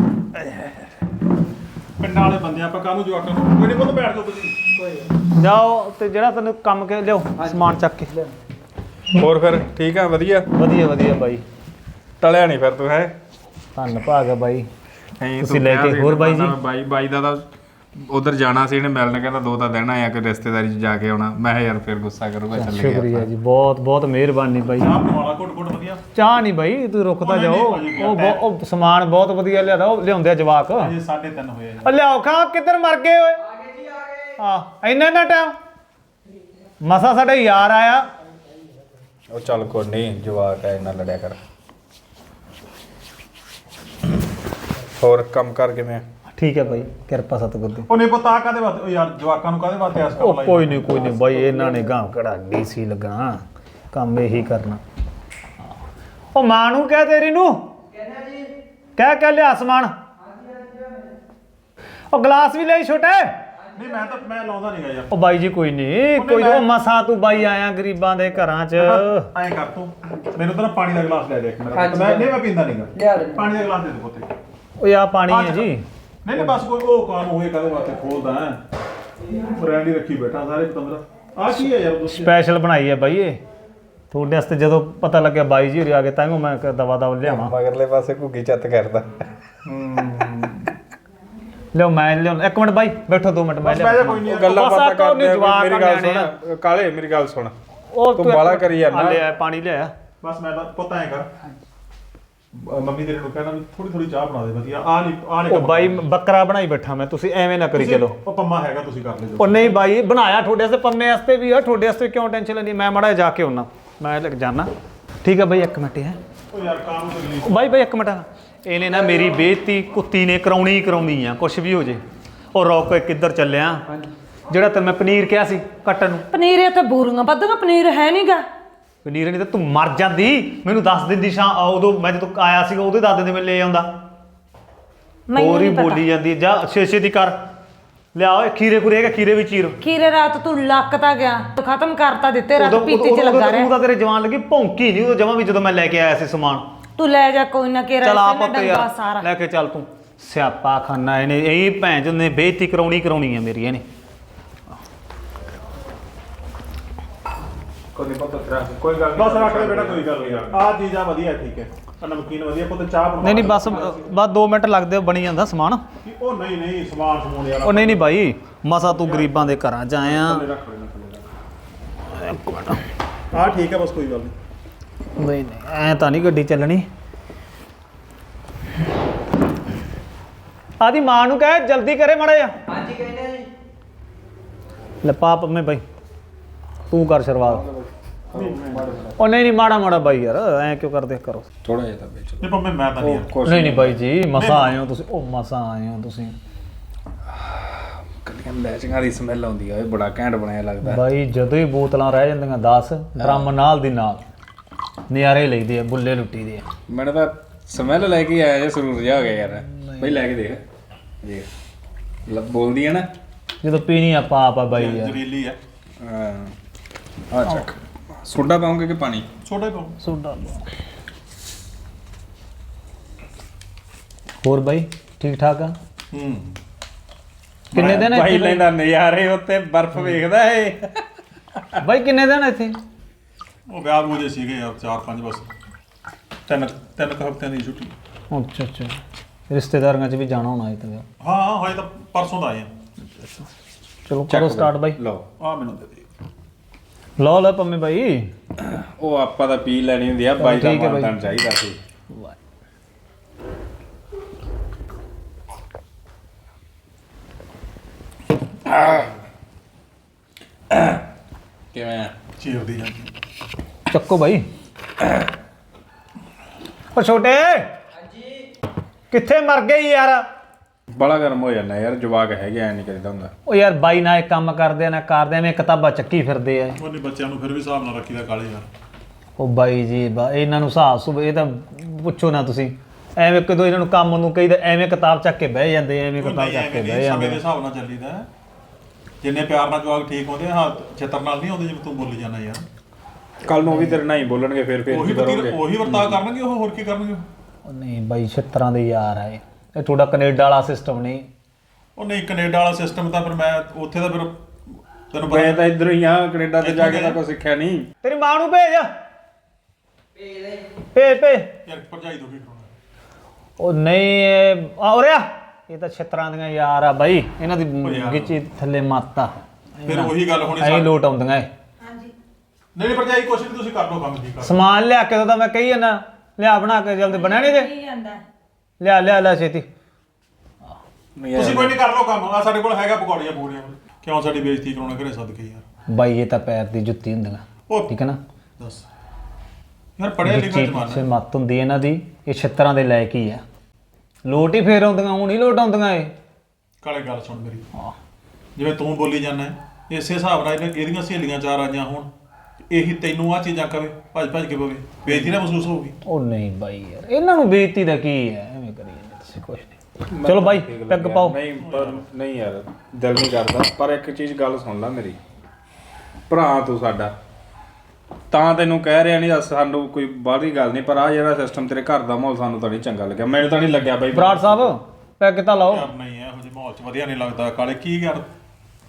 ਪਿੰਡਾਂ ਵਾਲੇ ਬੰਦੇ ਆਪਾਂ ਕਾਹਨੂੰ ਜਵਾਕਾਂ ਨੂੰ ਕੋਈ ਨਹੀਂ ਪੁੱਤ ਬੈਠ ਜਾਓ ਤੁਸੀਂ
ਜਾਓ ਤੇ ਜਿਹੜਾ ਤੈਨੂੰ ਕੰਮ ਕੇ ਲਿਓ ਸਮਾਨ ਚੱਕ ਕੇ
ਹੋਰ ਫਿਰ ਠੀਕ ਆ ਵਧੀਆ
ਵਧੀਆ ਬਾਈ
ਟਲਿਆ ਨਹੀਂ ਫਿਰ ਤੂੰ ਹੈ
ਧੰਨ ਭਾਗ ਆ ਬਾਈ
ਨਹੀਂ
ਤੁਸੀਂ ਲੈ ਕੇ ਹੋਰ ਬਾਈ ਜੀ
ਬਾਈ ਦਾ ਤਾਂ ਉਧਰ ਜਾਣਾ ਸੀ ਇਹਨੇ ਮਿਲਣ ਕਹਿੰਦਾ 2 ਤਾਂ ਦਿਨ ਆਇਆ ਕਿ ਰਿਸ਼ਤੇਦਾਰੀ 'ਚ ਜਾ ਕੇ ਆਉਣਾ ਮੈਂ ਕਿਹਾ ਯਾਰ ਫਿਰ ਗੁੱਸਾ ਕਰੂਗਾ ਚੱਲ ਗਿਆ
ਸ਼ੁਕਰੀਆ ਜੀ ਬਹੁਤ ਮਿਹਰਬਾਨੀ ਬਾਈ
ਆਪ ਵਾਲਾ ਕੋਟ ਵਧੀਆ
ਚਾਹ ਨਹੀਂ ਬਾਈ ਤੂੰ ਰੁਕਦਾ ਜਾਓ ਉਹ ਸਮਾਨ ਬਹੁਤ ਵਧੀਆ ਲਿਆਦਾ ਉਹ ਲਿਆਉਂਦੇ ਆ ਜਵਾਕ
ਅਜੇ 3:30 ਹੋਏ
ਉਹ ਲਿਆਓ ਖਾ ਕਿੱਧਰ ਮਰ ਗਏ ਓਏ ਹਾਂ ਇੰਨਾ ਟਾਈਮ ਮਸਾ ਸਾਡਾ ਯਾਰ ਆਇਆ
ਉਹ ਚੱਲ ਕੋਈ ਨਹੀਂ ਜਵਾਕ ਐ ਨਾ ਲੜਿਆ ਕਰ ਹੋਰ ਕੰਮ ਕਰ ਕਿਵੇਂ
ਠੀਕ ਹੈ ਬਾਈ ਕਿਰਪਾ ਸਤਿਗੁਰ ਦੀ
ਉਹ ਨਹੀਂ ਪਤਾ ਕਾਦੇ ਵਾਸਤੇ ਉਹ ਯਾਰ ਜਵਾਕਾਂ ਨੂੰ ਕਾਦੇ ਵਾਸਤੇ ਆਸ ਕਰ
ਉਹ ਕੋਈ ਨਹੀਂ ਬਾਈ ਇਹਨਾਂ ਨੇ ਗਾਂ ਕਿਹੜਾ ਡੀਸੀ ਲੱਗਣਾ ਕੰਮ ਇਹੀ ਕਰਨਾ ਉਹ ਮਾਂ ਨੂੰ ਕਹਿ ਤੇਰੀ ਨੂੰ ਕਹਿ ਲਿਆ ਸਮਾਨ ਉਹ ਗਲਾਸ ਵੀ ਲਈ ਛੋਟੇ
ਨਹੀਂ ਮੈਂ ਲਾਉਂਦਾ ਨਹੀਂਗਾ ਯਾਰ
ਉਹ ਬਾਈ ਜੀ ਕੋਈ ਨਹੀਂ ਕੋਈ ਉਹ ਮਸਾ ਤੂੰ ਬਾਈ ਆਇਆ ਗਰੀਬਾਂ ਦੇ ਘਰਾਂ 'ਚ
ਐਂ ਕਰ ਤੂੰ ਮੈਨੂੰ ਤਾਂ ਪਾਣੀ ਦਾ ਗਲਾਸ ਲੈ ਦੇ ਇੱਕ ਮੇਰਾ ਮੈਂ ਪੀਂਦਾ ਨਹੀਂਗਾ
ਲਿਆ ਲੈ
ਪਾਣੀ ਦਾ ਗਲਾਸ ਦੇ ਦੇ ਪੁੱਤੇ
ਉਹ ਆ ਪਾਣੀ ਹੈ ਜੀ
ਨਹੀਂ ਬਸ ਕੋਈ ਉਹ ਕਾਨ ਹੋਏ ਕਾਦੇ ਵਾਸਤੇ ਖੋਲਦਾ ਹੈ ਬ੍ਰਾਂਡੀ ਰੱਖੀ ਬੈਠਾ ਸਾਰੇ ਪਤੰਦਰ ਆ ਕੀ ਹੈ ਯਾਰ
ਸਪੈਸ਼ਲ ਬਣਾਈ ਹੈ ਬਾਈ ਇਹ ਤੁਹਾਡੇ ਵਾਸਤੇ। ਜਦੋਂ ਪਤਾ ਲੱਗਿਆ ਬਾਈ ਜੀ ਹੋਰੀ ਆ ਗਏ ਤਾਂ ਮੈਂ ਦਵਾ ਲਿਆਵਾਂ।
ਮਗਰਲੇ ਪਾਸੇ ਘੁੱਗੀ ਚੱਤ ਕਰਦਾ।
ਲਿਓ ਮੈਂ ਲਿਓ। ਇੱਕ ਮਿੰਟ ਬਾਈ ਬੈਠੋ 2 ਮਿੰਟ ਮੈਂ ਲਿਆ।
ਕੋਈ ਨਹੀਂ
ਗੱਲਾਂ
ਬਸ
ਬਾਤਾਂ
ਆਹ ਤਾਂ ਉਹਨੇ
ਕਰਦੇ
ਜਵਾਕ
ਮੇਰੀ ਗੱਲ
ਨਿਆਣੇ
ਸੁਣ ਕਾਲੇ, ਮੇਰੀ ਗੱਲ ਸੁਣ।
ਉਹ
ਤੂੰ ਬਾਲਾ ਕਰੀ ਜਾਂਦਾ।
ਲਿਆ ਪਾਣੀ ਲਿਆ।
ਬਸ ਮੈਂ ਤਾਂ ਪਤਾ ਐ ਕਰ ਮੰਮੀ ਤੇਰੇ ਨੂੰ ਕਹਿਣਾ ਵੀ ਥੋੜੀ ਥੋੜੀ ਚਾਹ ਬਣਾ ਦੇ ਵਧੀਆ। ਆ ਨਹੀਂ
ਉਹ ਬਾਈ ਬੱਕਰਾ ਬਣਾਈ ਬੈਠਾ ਮੈਂ, ਤੁਸੀਂ ਐਵੇਂ ਨਾ ਕਰੀ ਚਲੋ।
ਉਹ ਪੰਮਾ ਹੈਗਾ ਤੁਸੀਂ ਕਰ ਲਿਓ।
ਉਹ ਨਹੀਂ ਬਾਈ ਬਣਾਇਆ ਤੁਹਾਡੇ ਵਾਸਤੇ, ਪੰਮੇ ਵਾਸਤੇ ਵੀ ਆ, ਤੁਹਾਡੇ ਵਾਸਤੇ ਕਿਉਂ ਟੈਨਸ਼ਨ ਲੈਂਦੀ? ਮੈਂ ਮਾੜਾ ਜਾ ਕੇ ਆਉਣਾ, ਮੈਂ ਲੱਗ ਜਾਣਾ। ਠੀਕ ਹੈ ਬਾਈ 1 ਮਿੰਟ ਹੈ।
ਉਹ ਯਾਰ ਕਾਹਨੂੰ ਤਕਲੀਫ।
ਉਹ ਬਾਈ 1 ਮਿੰਟ। ਇਹਨੇ ਨਾ ਮੇਰੀ ਬੇਇੱਜ਼ਤੀ ਕੁੱਤੀ ਨੇ ਕਰਾਉਣੀ ਆ, ਕੁਛ ਵੀ ਹੋ ਜੇ। ਉਹ ਰੋਕ ਕਿੱਧਰ ਚੱਲਿਆ? ਜਿਹੜਾ ਤੈਨੂੰ ਮੈਂ ਪਨੀਰ ਕਿਹਾ ਸੀ ਕੱਟਣ ਨੂੰ।
ਪਨੀਰ ਇੱਥੇ ਬੂਰੀਆਂ ਵੱਧੀਆਂ, ਪਨੀਰ ਹੈ ਨਹੀਂਗਾ।
ਪਨੀਰ ਨਹੀਂ ਤਾਂ ਤੂੰ ਮਰ ਜਾਂਦੀ, ਮੈਨੂੰ ਦੱਸ ਦਿੰਦੀ ਉਦੋਂ ਮੈਂ ਜਦੋਂ ਆਇਆ ਸੀਗਾ ਉਦੋਂ ਦੱਸ ਦਿੰਦੇ ਮੈਂ ਲੈ ਆਉਂਦਾ। ਹੋਰ ਹੀ ਬੋਲੀ ਜਾਂਦੀ ਜਾ ਛੇ ਦੀ ਕਰ ਲਿਆ। ਓਏ ਖੀਰੇ ਖੁਰੇ ਹੈਗਾ, ਖੀਰੇ ਵੀ ਚੀਰ।
ਖੀਰੇ ਰਾਤ ਤੂੰ ਲੱਕ ਤਾਂ ਗਿਆ, ਖਤਮ ਕਰਤਾ ਦਿੱਤੇ, ਰਾਤ ਪੀਤੀ ਚ ਲੱਗਾ ਰਿਹਾ।
ਉਦੋਂ ਤੇਰੇ ਜਵਾਨ ਲੱਗੀ ਭੌਂਕੀ ਨਹੀਂ ਉਦੋਂ ਜਮਾ ਵੀ, ਜਦੋਂ ਮੈਂ ਲੈ ਕੇ ਆਇਆ ਸੀ ਸਮਾਨ।
ਤੂੰ ਲੈ ਜਾ ਕੋਈ ਨਾ ਕੇ
ਚਲ ਆ
ਰਹਿ
ਪੁੱਤ ਯਾਰ
ਸਾਰਾ।
ਲੈ ਕੇ ਚੱਲ ਤੂੰ। ਸਿਆਪਾ ਖਾਨਾ ਇਹਨੇ, ਇਹ ਭੈਣ ਚੋਦ ਨੇ ਬੇਇੱਜ਼ਤੀ ਕਰਾਉਣੀ ਆ ਮੇਰੀ ਇਹਨੇ।
ਕੋਈ ਗੱਲ
ਬਸ ਰੱਖ ਲੈ ਬੇਟਾ, ਕੋਈ ਗੱਲ ਨਹੀਂ ਯਾਰ। ਆ ਚੀਜ਼ ਆ ਵਧੀਆ, ਠੀਕ ਹੈ। ਨਮਕੀਨ ਵਧੀਆ ਪੁੱਤ, ਚਾਹ ਬਣਾ।
ਨਹੀਂ ਬਸ 2 ਮਿੰਟ ਲੱਗਦੇ, ਬਣੀ ਜਾਂਦਾ ਸਮਾਨ।
ਉਹ ਨਹੀਂ ਸਮਾਨ ਸਮੂਨ ਯਾਰ।
ਉਹ ਨਹੀਂ ਬਾਈ, ਮਸਾ ਤੂੰ ਗਰੀਬਾਂ ਦੇ ਘਰਾਂ 'ਚ ਆਇਆ।
ਆ ਠੀਕ ਹੈ ਬਸ, ਕੋਈ ਗੱਲ ਨਹੀਂ।
ਨਹੀਂ ਐ ਤਾਂ ਨਹੀਂ ਗੱਡੀ ਚੱਲਣੀ। ਆਦੀ ਮਾਂ ਨੂੰ ਕਹਿ ਜਲਦੀ ਕਰੇ ਮਾੜਾ ਜਿਹਾ।
ਹਾਂਜੀ ਕਹਿੰਦੇ ਜੀ।
ਲੈ ਪਾਪ ਮੈਂ ਬਾਈ ਤੂੰ ਕਰ ਸ਼ੁਰੂਆਤ। ਉਹ ਨਹੀਂ ਮਾੜਾ ਬਾਈ ਯਾਰ, ਐ ਕਿਉਂ ਕਰਦੇ ਕਰੋ।
ਥੋੜਾ ਜਿਹਾ ਤਾਂ ਵਿੱਚ
ਨਹੀਂ ਪੰਮੇ ਮੈਂ ਤਾਂ ਨਹੀਂ ਯਾਰ।
ਨਹੀਂ ਬਾਈ ਜੀ, ਮਸਾ ਆਏ ਹੋ ਤੁਸੀਂ। ਉਹ ਮਸਾ ਆਏ ਹੋ ਤੁਸੀਂ
ਕੱਲੀਆਂ ਮੈਚਿੰਗਾਂ ਦੀ ਸਮੈਲ ਆਉਂਦੀ ਆ। ਇਹ ਬੜਾ ਘੈਂਟ ਬਣਾਇਆ ਲੱਗਦਾ
ਬਾਈ। ਜਦੋਂ ਹੀ ਬੋਤਲਾਂ ਰਹਿ ਜਾਂਦੀਆਂ 10 ਡਰਮ ਨਾਲ ਦੀ ਨਾਲ ਨਿਆਰੇ ਲਈਦੇ ਆ, ਬੁੱਲੇ ਲੁੱਟੀ ਦੇ ਆ।
ਮੈਨੂੰ ਤਾਂ ਸਮੈਲ ਲੈ ਕੇ ਆਇਆ ਜੇ ਸਰੂਰ ਜਾ ਹੋ ਗਿਆ ਯਾਰ। ਬਈ ਲੈ ਕੇ ਦੇਖ ਬੋਲਦੀ ਆ ਨਾ
ਜਦੋਂ ਪੀਣੀ ਆ ਪਾਪ ਆ ਬਾਈ ਯਾਰ।
ਜ਼ਰੀਲੀ ਹੈ।
ਆ ਚੱਕ। ਸੋਡਾ ਪਾਉਂਗੇ ਕਿ ਪਾਣੀ?
ਛੋਟਾ ਹੀ ਪਾਉ।
ਸੋਡਾ। ਹੋਰ ਬਾਈ ਠੀਕ ਠਾਕ ਆ? ਕਿੰਨੇ ਦਿਨ
ਭਾਈ
ਇੱਥੇ
ਲੈਂਦਾ ਨਜ਼ਾਰੇ ਉੱਤੇ ਬਰਫ਼ ਵੇਖਦਾ ਏ।
ਬਾਈ ਕਿੰਨੇ ਦਿਨ ਇੱਥੇ?
ਉਹ ਵਿਆਹ ਬੂਝੇ ਸੀਗੇ ਯਾਰ 4-5 ਬਸ। ਤਿੰਨ ਹਫ਼ਤਿਆਂ ਦੀ ਛੁੱਟੀ।
ਅੱਛਾ ਰਿਸ਼ਤੇਦਾਰਾਂ 'ਚ ਵੀ ਜਾਣਾ ਹੋਣਾ ਇੱਥੇ।
ਹਾਂ ਹਜੇ ਤਾਂ ਪਰਸੋਂ ਦਾ ਆਏ ਆ।
ਚਲੋ ਕਰੋ ਸਟਾਰਟ ਬਾਈ।
ਲਓ
ਆ ਮੈਨੂੰ ਦੇ ਦੇ।
ਲਓ ਲੈ ਪੰਮੇ ਬਾਈ।
ਉਹ ਆਪਾਂ ਤਾਂ ਪੀ ਲੈਣੀ ਹੁੰਦੀ ਆ, ਬਾਈ ਦਾ
ਠੀਕ ਹੈ ਬਾਈ।
ਮਾਨਤਾਨ ਚਾਹੀਦਾ ਸੀ। ਕਿਵੇਂ ਆ?
ਚੀਰਦੀ ਜਾਂਦੀ।
ਚੱਕੋ ਬਾਈ। ਉਹ ਛੋਟੇ ਕਿੱਥੇ ਮਰ ਗਏ ਯਾਰ?
ਬੜਾ ਗਰਮ ਹੋ ਜਾਂਦਾ ਯਾਰ, ਜਵਾਕ ਹੈਗੇ ਐ ਨਹੀਂ ਕਰੀਦਾ ਹੁੰਦਾ।
ਉਹ ਯਾਰ ਬਾਈ ਨਾ ਇਹ ਕੰਮ ਕਰਦੇ ਆ ਨਾ ਕਰਦੇ ਐਵੇਂ ਕਿਤਾਬਾਂ ਚੱਕੀ ਫਿਰਦੇ ਆ।
ਉਹ ਨਹੀਂ ਬੱਚਿਆਂ ਨੂੰ ਫਿਰ ਵੀ ਹਿਸਾਬ ਨਾਲ ਰੱਖੀਦਾ ਕਾਲੇ ਯਾਰ।
ਉਹ ਬਾਈ ਜੀ ਇਹਨਾਂ ਨੂੰ ਹਿਸਾਬ ਸੁਬ ਇਹ ਤਾਂ ਪੁੱਛੋ ਨਾ ਤੁਸੀਂ। ਐਵੇਂ ਕਦੋਂ ਇਹਨਾਂ ਨੂੰ ਕੰਮ ਨੂੰ ਕਹੀਦਾ ਐਵੇਂ ਕਿਤਾਬ ਚੱਕ ਕੇ ਬਹਿ ਜਾਂਦੇ, ਐਵੇਂ ਕਿਤਾਬ ਚੱਕ ਕੇ ਬਹਿ
ਸਮੇਂ
ਜਾਂਦੇ।
ਦੇ ਹਿਸਾਬ ਨਾਲ ਚੱਲੀਦਾ। ਜਿੰਨੇ ਪਿਆਰ ਨਾਲ ਜਵਾਕ ਠੀਕ ਹੁੰਦੇ ਹਾਂ ਛੇਤਰ ਨਾਲ ਨਹੀਂ ਆਉਂਦੇ ਜਿਵੇਂ ਤੂੰ ਬੋਲੀ ਜਾਂਦਾ ਯਾਰ।
ਕੱਲ ਨੂੰ ਉਹ ਵੀ ਤੇਰੇ ਨਾਲ ਹੀ ਬੋਲਣਗੇ, ਫਿਰ
ਉਹੀ
ਕਰੋਗੇ।
ਉਹੀ ਵਰਤਾਅ ਕਰਨਗੇ ਉਹ, ਹੋਰ ਕੀ ਕਰਨਗੇ?
ਉਹ ਨਹੀਂ ਬਾਈ 76 ਦੇ ਯਾਰ ਆ ਇਹ ਤੁਹਾਡਾ ਕੈਨੇਡਾ ਵਾਲਾ ਸਿਸਟਮ ਨਹੀਂ।
ਉਹ ਨਹੀਂ ਕੈਨੇਡਾ ਵਾਲਾ ਸਿਸਟਮ ਤਾਂ ਫਿਰ ਮੈਂ ਉੱਥੇ ਦਾ ਫਿਰ ਤੈਨੂੰ
ਮੈਂ
ਪਤਾ
ਤਾਂ ਇੱਧਰੋਂ ਹੀ ਆ, ਕੈਨੇਡਾ ਤੇ ਜਾ ਕੇ ਤਾਂ ਕੁਛ ਸਿੱਖਿਆ ਨਹੀਂ।
ਤੇਰੀ ਮਾਂ ਨੂੰ ਭੇਜ ਭੇਜ
ਯਾਰ ਭਰਜਾਈ ਤੋਂ ਕੀ ਕਰਾਉਣਾ।
ਉਹ ਨਹੀਂ ਔਰਿਆ ਇਹ ਤਾਂ 76 ਦੀਆਂ ਯਾਰ ਆ ਬਾਈ, ਇਹਨਾਂ ਦੀ ਗਿੱਚੀ ਥੱਲੇ ਮਾਤਾ।
ਫਿਰ ਉਹੀ ਗੱਲ ਹੋਣੀ
ਐਂ ਲੋਟ ਆਉਂਦੀਆਂ ਏ।
ਨਹੀਂ ਭਰਜਾਈ ਕੁਛ ਨਹੀਂ, ਤੁਸੀਂ ਕਰ ਲਓ ਕੰਮ ਠੀਕ ਕਰ।
ਸਮਾਨ ਲਿਆ ਕੇ ਤਾਂ ਮੈਂ ਕਹੀ ਜਾਂਦਾ ਲਿਆ ਬਣਾ ਕੇ ਜਲਦੀ ਬਣਿਆ ਨਹੀਂ ਜੇ ਲਿਆ ਛੇਤੀ।
ਤੁਸੀਂ ਕੋਈ ਨਹੀਂ ਕਰ ਲਓ ਕੰਮ। ਆ ਸਾਡੇ ਕੋਲ ਹੈਗਾ ਪਕੌੜੀਆਂ ਪੂੜੀਆਂ। ਕਿਉਂ ਸਾਡੀ ਬੇਇੱਜ਼ਤੀ ਕਰਾਉਣਾ ਘਰੇ ਸਦਕੇ ਯਾਰ।
ਬਾਈ ਇਹ ਤਾਂ ਪੈਰ ਦੀ ਜੁੱਤੀ ਹੁੰਦੀਆਂ,
ਉਹ
ਠੀਕ ਹੈ ਨਾ।
ਦੱਸ ਯਾਰ ਪੜਿਆ ਲਿਖਿਆ ਜਮਾਨਾ।
ਸੇ ਮੱਤ ਹੁੰਦੀ ਇਹਨਾਂ ਦੀ। ਇਹ 76 ਦੇ ਲਾਇਕ ਹੀ ਆ। ਲੋਟ ਹੀ ਫੇਰ ਆਉਂਦੀਆਂ, ਹੁਣ ਹੀ ਲੋਟ ਆਉਂਦੀਆਂ ਇਹ।
ਕਾਲੇ ਗੱਲ ਸੁਣ ਮੇਰੀ। ਜਿਵੇਂ ਤੂੰ ਬੋਲੀ ਜਾਂਦਾ ਇਸੇ ਹਿਸਾਬ ਨਾਲ ਇਹਦੀਆਂ ਸਹੇਲੀਆਂ 4 ਆਈਆਂ ਹੁਣ, ਇਹੀ ਤੈਨੂੰ ਆ ਚੀਜ਼ਾਂ ਕਵੇ ਭੱਜ ਕੇ ਪਵੇ, ਬੇਇੱਜ਼ਤੀ ਨਾ ਮਹਿਸੂਸ ਹੋਊਗੀ।
ਉਹ ਨਹੀਂ ਬਾਈ ਯਾਰ ਇਹਨਾਂ ਨੂੰ ਬੇਇੱਜ਼ਤੀ ਦਾ ਕੀ ਹੈ, ਐਵੇਂ ਕਰੀ ਜਾਂਦੇ ਤੁਸੀਂ ਕੁਛ ਨਹੀਂ। ਚਲੋ ਬਾਈ ਪੈਗ ਪਾਓ।
ਨਹੀਂ ਪਰ ਨਹੀਂ ਯਾਰ, ਦਿਲ ਨਹੀਂ ਕਰਦਾ। ਪਰ ਇੱਕ ਚੀਜ਼ ਗੱਲ ਸੁਣ ਲੈ ਮੇਰੀ, ਭਰਾ ਤੂੰ ਸਾਡਾ, ਤਾਂ ਤੈਨੂੰ ਕਹਿ ਰਿਹਾ ਨਹੀਂ ਸਾਨੂੰ ਕੋਈ ਬਾਹਰੀ ਗੱਲ ਨਹੀਂ, ਪਰ ਆ ਜਿਹੜਾ ਸਿਸਟਮ ਤੇਰੇ ਘਰ ਦਾ ਮਾਹੌਲ ਸਾਨੂੰ ਤਾਂ ਨਹੀਂ ਚੰਗਾ ਲੱਗਿਆ। ਮੈਨੂੰ ਤਾਂ ਨਹੀਂ ਲੱਗਿਆ ਬਾਈ।
ਬਰਾੜ ਸਾਹਿਬ ਪੈਗ ਤਾਂ ਲਾਓ।
ਯਾਰ ਨਹੀਂ ਇਹੋ ਜਿਹੇ ਮਾਹੌਲ 'ਚ ਵਧੀਆ ਨਹੀਂ ਲੱਗਦਾ ਕਾਲੇ। ਕੀ ਯਾਰ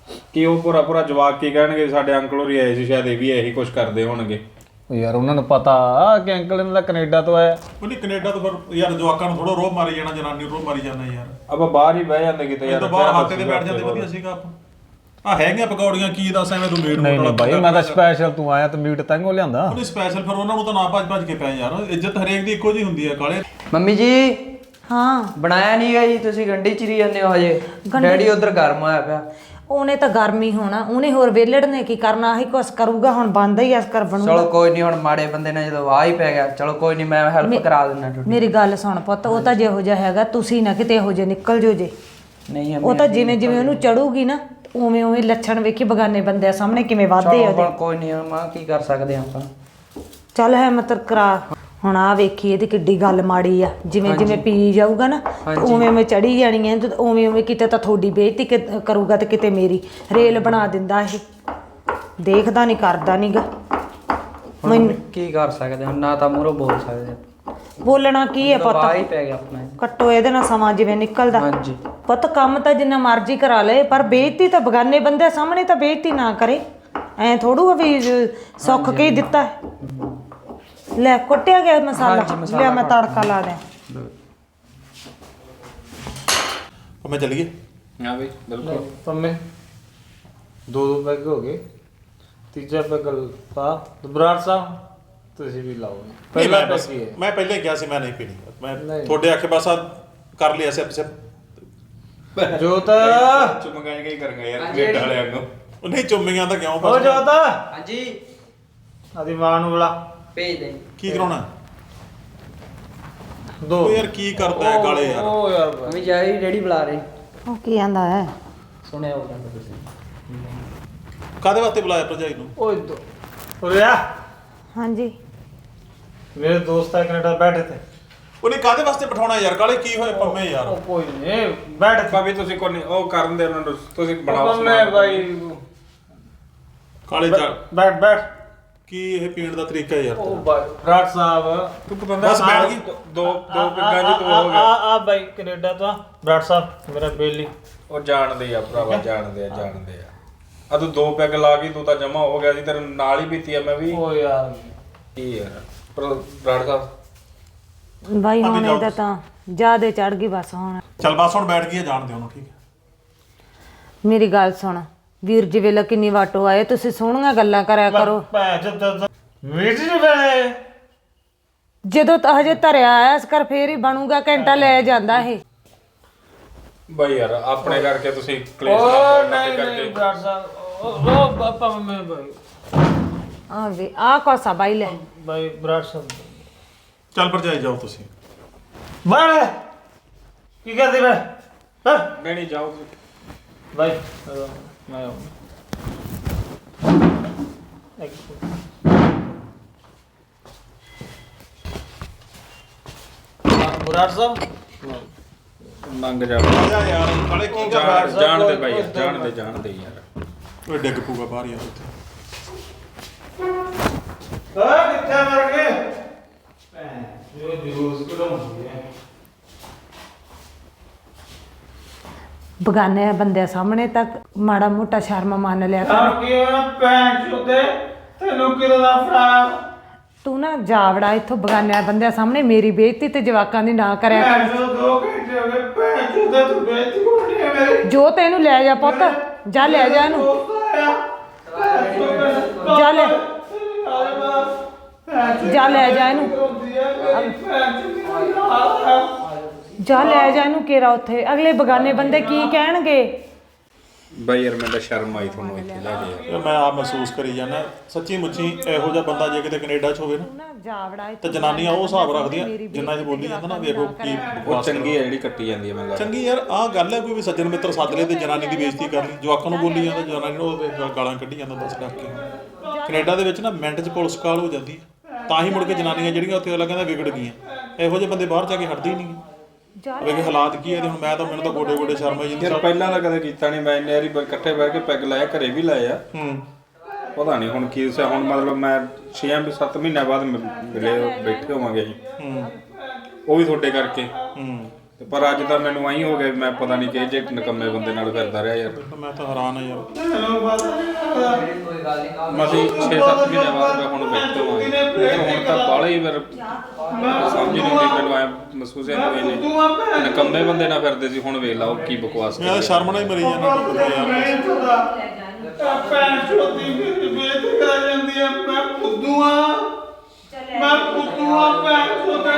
ਕਿ ਉਹ ਪੂਰਾ ਪੂਰਾ ਜਵਾਕ ਕੀ ਕਹਿਣਗੇ ਵੀ ਸਾਡੇ ਅੰਕਲ ਹੋਰੀ ਆਏ ਸੀ ਸ਼ਾਇਦ ਇਹ ਵੀ ਇਹੀ ਕੁਝ ਕਰਦੇ ਹੋਣਗੇ।
ਉਹ ਯਾਰ ਉਹਨਾਂ ਨੂੰ ਪਤਾ ਕਿ ਅੰਕਲ ਇਹਨਾਂ ਦਾ ਕੈਨੇਡਾ ਤੋਂ ਆਇਆ।
ਉਹਨੇ ਕੈਨੇਡਾ ਤੋਂ ਫਿਰ ਯਾਰ ਜਵਾਕਾਂ ਨੂੰ ਥੋੜਾ ਰੋਹ ਮਾਰੀ ਜਾਣਾ, ਜਨਾਨੀ ਨੂੰ ਰੋਹ ਮਾਰੀ ਜਾਣਾ ਯਾਰ।
ਆਪਾਂ ਬਾਹਰ ਹੀ ਬਹਿ ਜਾਂਦੇ ਕਿਤੇ
ਇਹ
ਯਾਰ,
ਤਾਂ ਬਾਹਰ ਹਾਤੇ ਤੇ ਬੈਠ ਜਾਂਦੇ, ਵਧੀਆ ਸੀਗਾ ਆਪਾਂ। ਆ ਹੈਗੀਆਂ ਪਕੌੜੀਆਂ ਕੀ ਦੱਸ ਐਵੇਂ ਤੂੰ ਮੀਟ
ਨਹੀਂ ਨਹੀਂ ਬਾਈ, ਮੈਂ ਤਾਂ ਸਪੈਸ਼ਲ ਤੂੰ ਆਇਆ ਤੇ ਮੀਟ ਤੰਗੋ ਲਿਆਂਦਾ।
ਉਹਨੇ ਸਪੈਸ਼ਲ ਫਿਰ ਉਹਨਾਂ ਨੂੰ ਤਾਂ ਨਾ ਭੱਜ ਕੇ ਪਏ ਯਾਰ। ਇੱਜ਼ਤ ਹਰੇਕ ਦੀ ਇੱਕੋ ਜੀ ਹੁੰਦੀ ਹੈ ਕਾਲੇ।
ਮੰਮੀ ਜੀ
ਹਾਂ
ਬਣਾਇਆ ਨਹੀਂ ਗਾ ਜੀ, ਤੁਸੀਂ ਗੰਢੀ ਚਿਰੀ ਜਾਂਦੇ ਹੋ ਹਜੇ। ਡੈਡੀ ਉਧਰ ਗਰਮ ਹੋਇਆ ਪਿਆ।
ਉਹਨੇ ਤਾਂ ਗਰਮੀ ਹੋਣਾ, ਉਹਨੇ ਹੋਰ ਵੇਲੜ ਨੇ ਕੀ ਕਰਨਾ, ਆਹੀ ਕੁਛ ਕਰੂਗਾ। ਹੁਣ ਬੰਦਾ ਹੀ ਐਸ ਕਰ ਬਣੂਗਾ।
ਚਲੋ ਕੋਈ ਨਹੀਂ, ਹੁਣ ਮਾੜੇ ਬੰਦੇ ਨੇ ਜਦੋਂ ਵਾਹ ਹੀ ਪੈ ਗਿਆ, ਚਲੋ ਕੋਈ ਨਹੀਂ, ਮੈਂ ਹੈਲਪ ਕਰਾ ਦਿੰਦਾ ਤੁਹਾਡੀ।
ਮੇਰੀ ਗੱਲ ਸੁਣ ਪੁੱਤ, ਉਹ ਤਾਂ ਜਿਹੋ ਜਿਹਾ ਹੈਗਾ, ਤੁਸੀਂ ਨਾ ਕਿਤੇ ਇਹੋ ਜਿਹੇ ਨਿਕਲ ਜੋ ਜੇ।
ਨਹੀਂ
ਉਹ ਤਾਂ ਜਿਵੇਂ ਜਿਵੇਂ ਉਹਨੂੰ ਚੜੂਗੀ ਨਾ, ਉਵੇਂ ਉਵੇਂ ਲੱਛਣ ਵੇਖੀ ਬਗਾਨੇ ਬੰਦਿਆਂ ਸਾਹਮਣੇ ਕਿਵੇਂ ਵੱਧਦੇ ਆ
ਚਲੋ
ਉਹਦੇ।
ਕੋਈ ਨਹੀਂ, ਮਾਂ ਕੀ ਕਰ ਸਕਦੇ ਆਪਾਂ।
ਚੱਲ ਹੈ ਮਤਲਬ ਕਰਾ। ਹੁਣ ਆ ਵੇਖੀ ਇਹਦੀ ਕਿੱਡੀ ਗੱਲ ਮਾੜੀ ਆ। ਜਿਵੇਂ ਜਿਵੇਂ ਪੀ ਜਾਊਗਾ ਨਾ ਉਵੇਂ ਉਵੇਂ ਚੜੀ ਜਾਣੀ ਹੈ, ਉਵੇਂ ਉਵੇਂ ਕਿਤੇ ਤਾਂ ਤੁਹਾਡੀ ਬੇਇੱਜ਼ਤੀ ਕਰੂਗਾ ਤੇ ਕਿਤੇ ਮੇਰੀ। ਰੇਲ ਬਣਾ ਦਿੰਦਾ ਇਹ, ਦੇਖਦਾ ਨਹੀਂ ਕਰਦਾ ਨਹੀਂਗਾ।
ਹੁਣ ਕੀ ਕਰ ਸਕਦੇ ਹਾਂ, ਨਾ ਤਾਂ ਮੂਹਰੋਂ ਬੋਲ ਸਕਦੇ।
ਬੋਲਣਾ ਕੀ ਹੈ ਪੁੱਤ,
ਵਾਹ ਹੀ ਪੈ ਗਿਆ ਆਪਣਾ।
ਕੱਟੋ ਇਹਦੇ ਨਾਲ ਸਮਾਂ ਜਿਵੇਂ ਨਿਕਲਦਾ।
ਹਾਂਜੀ
ਪੁੱਤ ਕੰਮ ਤਾਂ ਜਿੰਨਾ ਮਰਜ਼ੀ ਕਰਾ ਲਏ, ਪਰ ਬੇਇੱਜ਼ਤੀ ਤਾਂ ਬਗਾਨੇ ਬੰਦੇ ਸਾਹਮਣੇ ਤਾਂ ਬੇਇੱਜ਼ਤੀ ਨਾ ਕਰੇ। ਐ ਥੋੜੂ ਵੀ ਸੁੱਖ ਕੇ ਹੀ ਦਿੱਤਾ ਹੈ। ਲੈ ਕੁੱਟਿਆ ਗਿਆ ਮਸਾਲਾ, ਲਿਆ ਮੈਂ ਤੜਕਾ ਲਾ ਦਿਆਂ।
ਮੈਂ ਚੱਲੀਏ।
ਹਾਂ ਬਈ ਬਿਲਕੁਲ।
ਪੰਮੇ ਦੋ ਪੈਗ ਹੋ ਗਏ, ਤੀਜਾ ਪੈਗ ਪਾ। ਬਰਾੜ ਸਾਹਿਬ ਤੁਸੀਂ ਵੀ ਲਾਓ। ਪਹਿਲਾ ਪੈਗ ਕੀ ਹੈ?
ਮੈਂ ਪਹਿਲੇ ਹੀ ਕਿਹਾ ਸੀ ਮੈਂ ਨਹੀਂ ਪੀਣੀ। ਮੈਂ ਤੁਹਾਡੇ ਆਖੇ ਬਸ ਕਰ ਲਿਆ ਸਿਪ ਸਿਪ।
ਜੋਤ
ਚੁੰਮਗਾਈ ਗਈ ਕਰਾਂਗਾ ਯਾਰ ਕੈਨੇਡਾ ਵਾਲਿਆਂ ਨੂੰ।
ਉਹ ਨਹੀਂ ਚੁੰਮੀਆਂ ਤਾਂ ਕਿਉਂ
ਓ
ਬਸ।
ਜੋਤ
ਹਾਂਜੀ
ਆਦੀ ਮਾਂ ਨੂੰ ਬੁਲਾ।
ਭੇਜ ਦੇ।
ਕੀ ਕਰਾਉਣਾ?
ਦੋ
ਉਹ ਯਾਰ ਕੀ ਕਰਦਾ ਹੈ ਕਾਲੇ ਯਾਰ।
ਓ ਯਾਰ
ਮੰਮੀ ਜਾਈ ਡੈਡੀ ਬੁਲਾ ਰਹੇ।
ਉਹ ਕੀ ਆਂਦਾ ਹੈ?
ਸੁਣਿਆ ਉਹ ਕਹਿੰਦਾ ਤੁਸੀਂ।
ਕਾਦੇ ਵਾਸਤੇ ਬੁਲਾਇਆ ਭਰਜਾਈ ਨੂੰ?
ਓਏ ਦੋ ਉਰਿਆ
ਹਾਂਜੀ
ਮੇਰੇ ਦੋਸਤ ਆ ਕੈਨੇਡਾ ਬੈਠੇ ਤੇ।
ਉਹਨੇ ਕਾਦੇ ਵਾਸਤੇ ਬਿਠਾਉਣਾ ਯਾਰ ਕਾਲੇ? ਕੀ ਹੋਏ ਪੰਮੇ ਯਾਰ?
ਉਹ ਕੋਈ ਨਹੀਂ ਬੈਠ।
ਭਾਵੇਂ ਤੁਸੀਂ ਕੋਈ ਨਹੀਂ ਉਹ ਕਰਨ ਦੇ ਉਹਨਾਂ ਨੂੰ, ਤੁਸੀਂ ਬਣਾਓ
ਪੰਮੇ ਬਾਈ
ਕਾਲੇ
ਬੈਠ ਬੈਠ।
ਕੀ ਇਹ ਪੀਣ ਦਾ ਤਰੀਕਾ ਯਾਰ
ਉਹ
ਤੇਰਾ?
ਬਾਈ ਬਰਾੜ ਸਾਹਿਬ
ਤੂੰ ਪਤੰਦਾ
ਬਸ ਬੈਠ ਗਈ।
ਦੋ ਪਿੰਗਾਂ ਦੀ ਤੂੰ ਹੋ ਗਿਆ।
ਆ ਬਾਈ ਕੈਨੇਡਾ ਤੋਂ ਬਰਾੜ ਸਾਹਿਬ ਮੇਰਾ ਬੇਲੀ।
ਉਹ ਜਾਣਦੇ ਆ ਭਰਾਵਾ, ਜਾਣਦੇ ਆ ਆ ਤੂੰ ਦੋ ਪੈਗ ਲਾ ਕੇ ਤੂੰ ਤਾਂ ਜਮਾ ਹੋ ਗਿਆ ਸੀ, ਤੇਰੇ ਨਾਲ ਹੀ ਪੀਤੀ ਆ ਮੈਂ ਵੀ।
ਓ ਯਾਰ
ਕੀ ਯਾਰ ਪਰ ਬਰਾੜ ਸਾਹਿਬ
ਬਾਈ ਹੁਣ ਇਹਦਾ ਤਾਂ ਜ਼ਿਆਦੇ ਚੜ ਗਈ ਬਸ। ਹੁਣ
ਚੱਲ ਬਸ ਹੁਣ ਬੈਠ ਗਈ, ਜਾਣਦੇ ਉਹਨੂੰ। ਠੀਕ ਹੈ
ਮੇਰੀ ਗੱਲ ਸੁਣ, ਵੀਰ ਜੀ ਵੇਲੇ ਕਿੰਨੀ ਵਾਟੋ ਆਏ, ਤੁਸੀਂ ਸੋਹਣੀਆਂ ਗੱਲਾਂ ਕਰਿਆ ਕਰੋ।
ਮੀਟ ਜੀ ਬਣੇ
ਜਦੋਂ ਤਾਂ ਹਜੇ ਧਰਿਆ ਆਇਆ ਇਸ ਕਰ ਫੇਰ ਹੀ ਬਣੂਗਾ, ਘੰਟਾ ਲੈ ਜਾਂਦਾ ਇਹ।
ਬਾਈ ਯਾਰ ਆਪਣੇ ਕਰਕੇ ਤੁਸੀਂ ਕਲੇਸ਼
ਓ
ਨਾ
ਨਹੀਂ
ਕਰਕੇ
ਨਹੀਂ ਬਰਾੜ ਸਾਹਿਬ ਉਹ ਪਾਪਾ ਮੈਂ ਬਾਈ
ਆ ਵੇ ਆ ਕੋਸਾ ਬਾਈ ਲੈ
ਬਾਈ ਬਰਾੜ ਸਾਹਿਬ
ਚੱਲ ਭਰਜਾਈ ਜਾਓ ਤੁਸੀਂ।
ਬਣ ਕੀ ਕਰਦੇ ਬੈ ਹਾਂ
ਨਹੀਂ ਜਾਓ
ਬਾਈ ਮੈਂ ਬਰਾੜ ਸਾਹਿਬ
ਮੰਗ ਜਾ
ਜਾ ਯਾਰ ਕਾਲੇ ਕੀ ਕਰ
ਜਾਣਦੇ ਬਾਈ ਯਾਰ, ਜਾਣਦੇ ਯਾਰ।
ਓਏ ਡਿੱਗ ਪੂਗਾ ਬਾਹਰ ਯਾਰ ਉੱਥੇ।
ਓਏ ਕਿੱਥੇ ਮਰ ਗਏ ਜੋ ਜੂਸ ਕੋਲੋਂ
ਬਗਾਨੇ ਬੰਦਿਆਂ ਸਾਹਮਣੇ ਤੱਕ ਮਾੜਾ ਮੋਟਾ ਸ਼ਰਮ ਮੰਨ ਲਿਆ ਕਰ।
ਕੀ ਹੋਇਆ ਭੈਣ ਚੋਦੇ ਤੈਨੂੰ ਕਿਦੋਂ ਦਾ ਫੜਾ
ਤੂੰ ਨਾ ਜਾਵੜਾ ਇੱਥੋਂ, ਬਗਾਨਿਆਂ ਬੰਦਿਆਂ ਸਾਹਮਣੇ ਮੇਰੀ ਬੇਇੱਜ਼ਤੀ ਤੇ ਜਵਾਕਾਂ ਦੀ ਨਾ ਕਰਿਆ ਕਰ।
ਭੈਣ ਚੋ 2 ਘੰਟੇ ਹੋ ਗਏ ਭੈਣ ਚੋਦੇ ਤੂੰ ਬੇਇੱਜ਼ਤੀ ਕਰਨੀ ਹੈ ਮੇਰੀ।
ਜੋ ਤੈਨੂੰ ਲੈ ਜਾ ਪੁੱਤ, ਜਾ ਲੈ ਜਾ ਇਹਨੂੰ, ਜਾ ਲੈ ਜਾ ਲੈ ਜਾ ਇਹਨੂੰ, ਜਾ ਲੈ ਜਾ ਇਹਨੂੰ ਕੇਰਾ ਉੱਥੇ। ਅਗਲੇ ਬਗਾਨੇ ਬੰਦੇ ਕੀ ਕਹਿਣਗੇ?
ਬਾਈ ਯਾਰ ਮੈਨੂੰ ਤਾਂ ਸ਼ਰਮ ਆਈ ਤੁਹਾਨੂੰ ਇੱਥੇ ਲੈ ਕੇ
ਯਾਰ ਮੈਂ ਆਪ ਮਹਿਸੂਸ ਕਰੀ ਜਾਂਦਾ ਸੱਚੀ ਮੁੱਚੀ ਇਹੋ ਜਿਹਾ ਬੰਦਾ ਜੇ ਕਿਤੇ ਕੈਨੇਡਾ 'ਚ ਹੋਵੇ ਨਾ
ਨਾ ਜਾਵੜਾ
ਤੇ
ਇੱਥੋਂ,
ਜਨਾਨੀਆਂ ਉਹ ਹਿਸਾਬ ਰੱਖਦੀਆਂ ਜਿੰਨਾ ਇਹ ਬੋਲੀ ਜਾਂਦਾ ਨਾ ਵੇਖੋ ਕੀ
ਉਹ
ਬਕਵਾਸ
ਚੰਗੀ ਹੈ ਜਿਹੜੀ ਕੱਟੀ ਜਾਂਦੀ ਹੈ ਮੈਨੂੰ ਲੱਗਦਾ।
ਚੰਗੀ ਯਾਰ ਆਹ ਗੱਲ ਹੈ ਕੋਈ ਵੀ ਸੱਜਣ ਮਿੱਤਰ ਸੱਦ ਲਏ ਤੇ ਜਨਾਨੀ ਦੀ ਬੇਇੱਜ਼ਤੀ ਕਰ ਲਈ, ਜਵਾਕਾਂ ਨੂੰ ਬੋਲੀ ਜਾਂਦਾ, ਜਨਾਨੀ ਨੂੰ ਉਹ ਗਾਲਾਂ ਕੱਢੀ ਜਾਂਦਾ ਦੱਸ ਰੱਖ ਕੇ। ਕੈਨੇਡਾ ਦੇ ਵਿੱਚ ਨਾ ਮਿੰਟ 'ਚ ਪੁਲਿਸ ਕਾਲ ਹੋ ਜਾਂਦੀ ਹੈ, ਤਾਂ ਹੀ ਮੁੜ ਕੇ ਜਨਾਨੀਆਂ ਜਿਹੜੀਆਂ ਉੱਥੇ ਅਗਲਾ ਕਹਿੰਦਾ ਵਿਗੜ ਗਈਆਂ। ਇਹੋ ਜਿਹੇ ਬੰਦੇ ਬਾਹਰ ਜਾ ਕੇ ਹਟਦੇ ਹੀ ਨਹੀਂ। ਵੇਖ ਹਾਲਾਤ ਕੀ ਹੈ ਤੇ ਹੁਣ ਮੈਂ ਤਾਂ ਮੈਨੂੰ ਤਾਂ ਗੋਡੇ ਗੋਡੇ ਸ਼ਰਮ ਆਈ ਜਾਂਦੀ।
ਯਾਰ ਪਹਿਲਾਂ ਤਾਂ ਕਦੇ ਕੀਤਾ ਨਹੀਂ ਮੈਂ, ਇੰਨੇ ਵਾਰੀ ਇਕੱਠੇ ਬਹਿ ਕੇ ਪੈਗ ਲਾਇਆ, ਘਰੇ ਵੀ ਲਾਇਆ। ਪਤਾ ਨਹੀਂ ਹੁਣ ਕੀ ਸੀ, ਹੁਣ ਮਤਲਬ ਮੈਂ 6-7 ਮਹੀਨਿਆਂ ਬਾਅਦ ਮਿਲੇ ਬੈਠੇ ਹੋਵਾਂਗੇ ਅਸੀਂ। ਉਹ ਵੀ ਤੁਹਾਡੇ ਕਰਕੇ। ਤੇ ਪਰ ਅੱਜ ਤਾਂ ਮੈਨੂੰ ਆਈ ਹੋ ਗਿਆ ਵੀ ਮੈਂ ਪਤਾ ਨਹੀਂ ਕਿ ਜੇ ਨਕੰਮੇ ਬੰਦੇ ਨਾਲ ਫਿਰਦਾ ਰਿਹਾ ਯਾਰ।
ਮੈਂ ਤਾਂ ਹੈਰਾਨ ਆ ਯਾਰ।
ਮਸੀਂ 6-7 ਮਹੀਨੇ ਬਾਅਦ ਮੈਂ ਹੁਣ ਬੈਠੋ ਆਇਆ ਹੁਣ ਤਾਂ ਬਾਹਲਾ ਹੀ ਫਿਰ ਸਮਝ ਨਹੀਂ ਆਉਂਦੀ ਮੈਨੂੰ ਐ ਮਹਿਸੂਸ ਹੈ ਕਿ ਨਕੰਮੇ ਬੰਦੇ ਨਾਲ ਫਿਰਦੇ ਸੀ ਹੁਣ ਵੇਖ ਲਾ ਉਹ ਕੀ ਬਕਵਾਸ
ਮੈਂ ਤਾਂ ਸ਼ਰਮ ਨਾਲ ਹੀ ਮਰੀ ਜਾਂਦਾ ਯਾਰ।
ਭੈਣ ਚੋਦੀ ਮੇਰੀ ਬੇਇੱਜ਼ਤੀ ਕਰਾ ਜਾਂਦੀ ਆ। ਮੈਂ ਫੁੱਦੂ ਆ ਭੈਣ ਚੋਦਾ।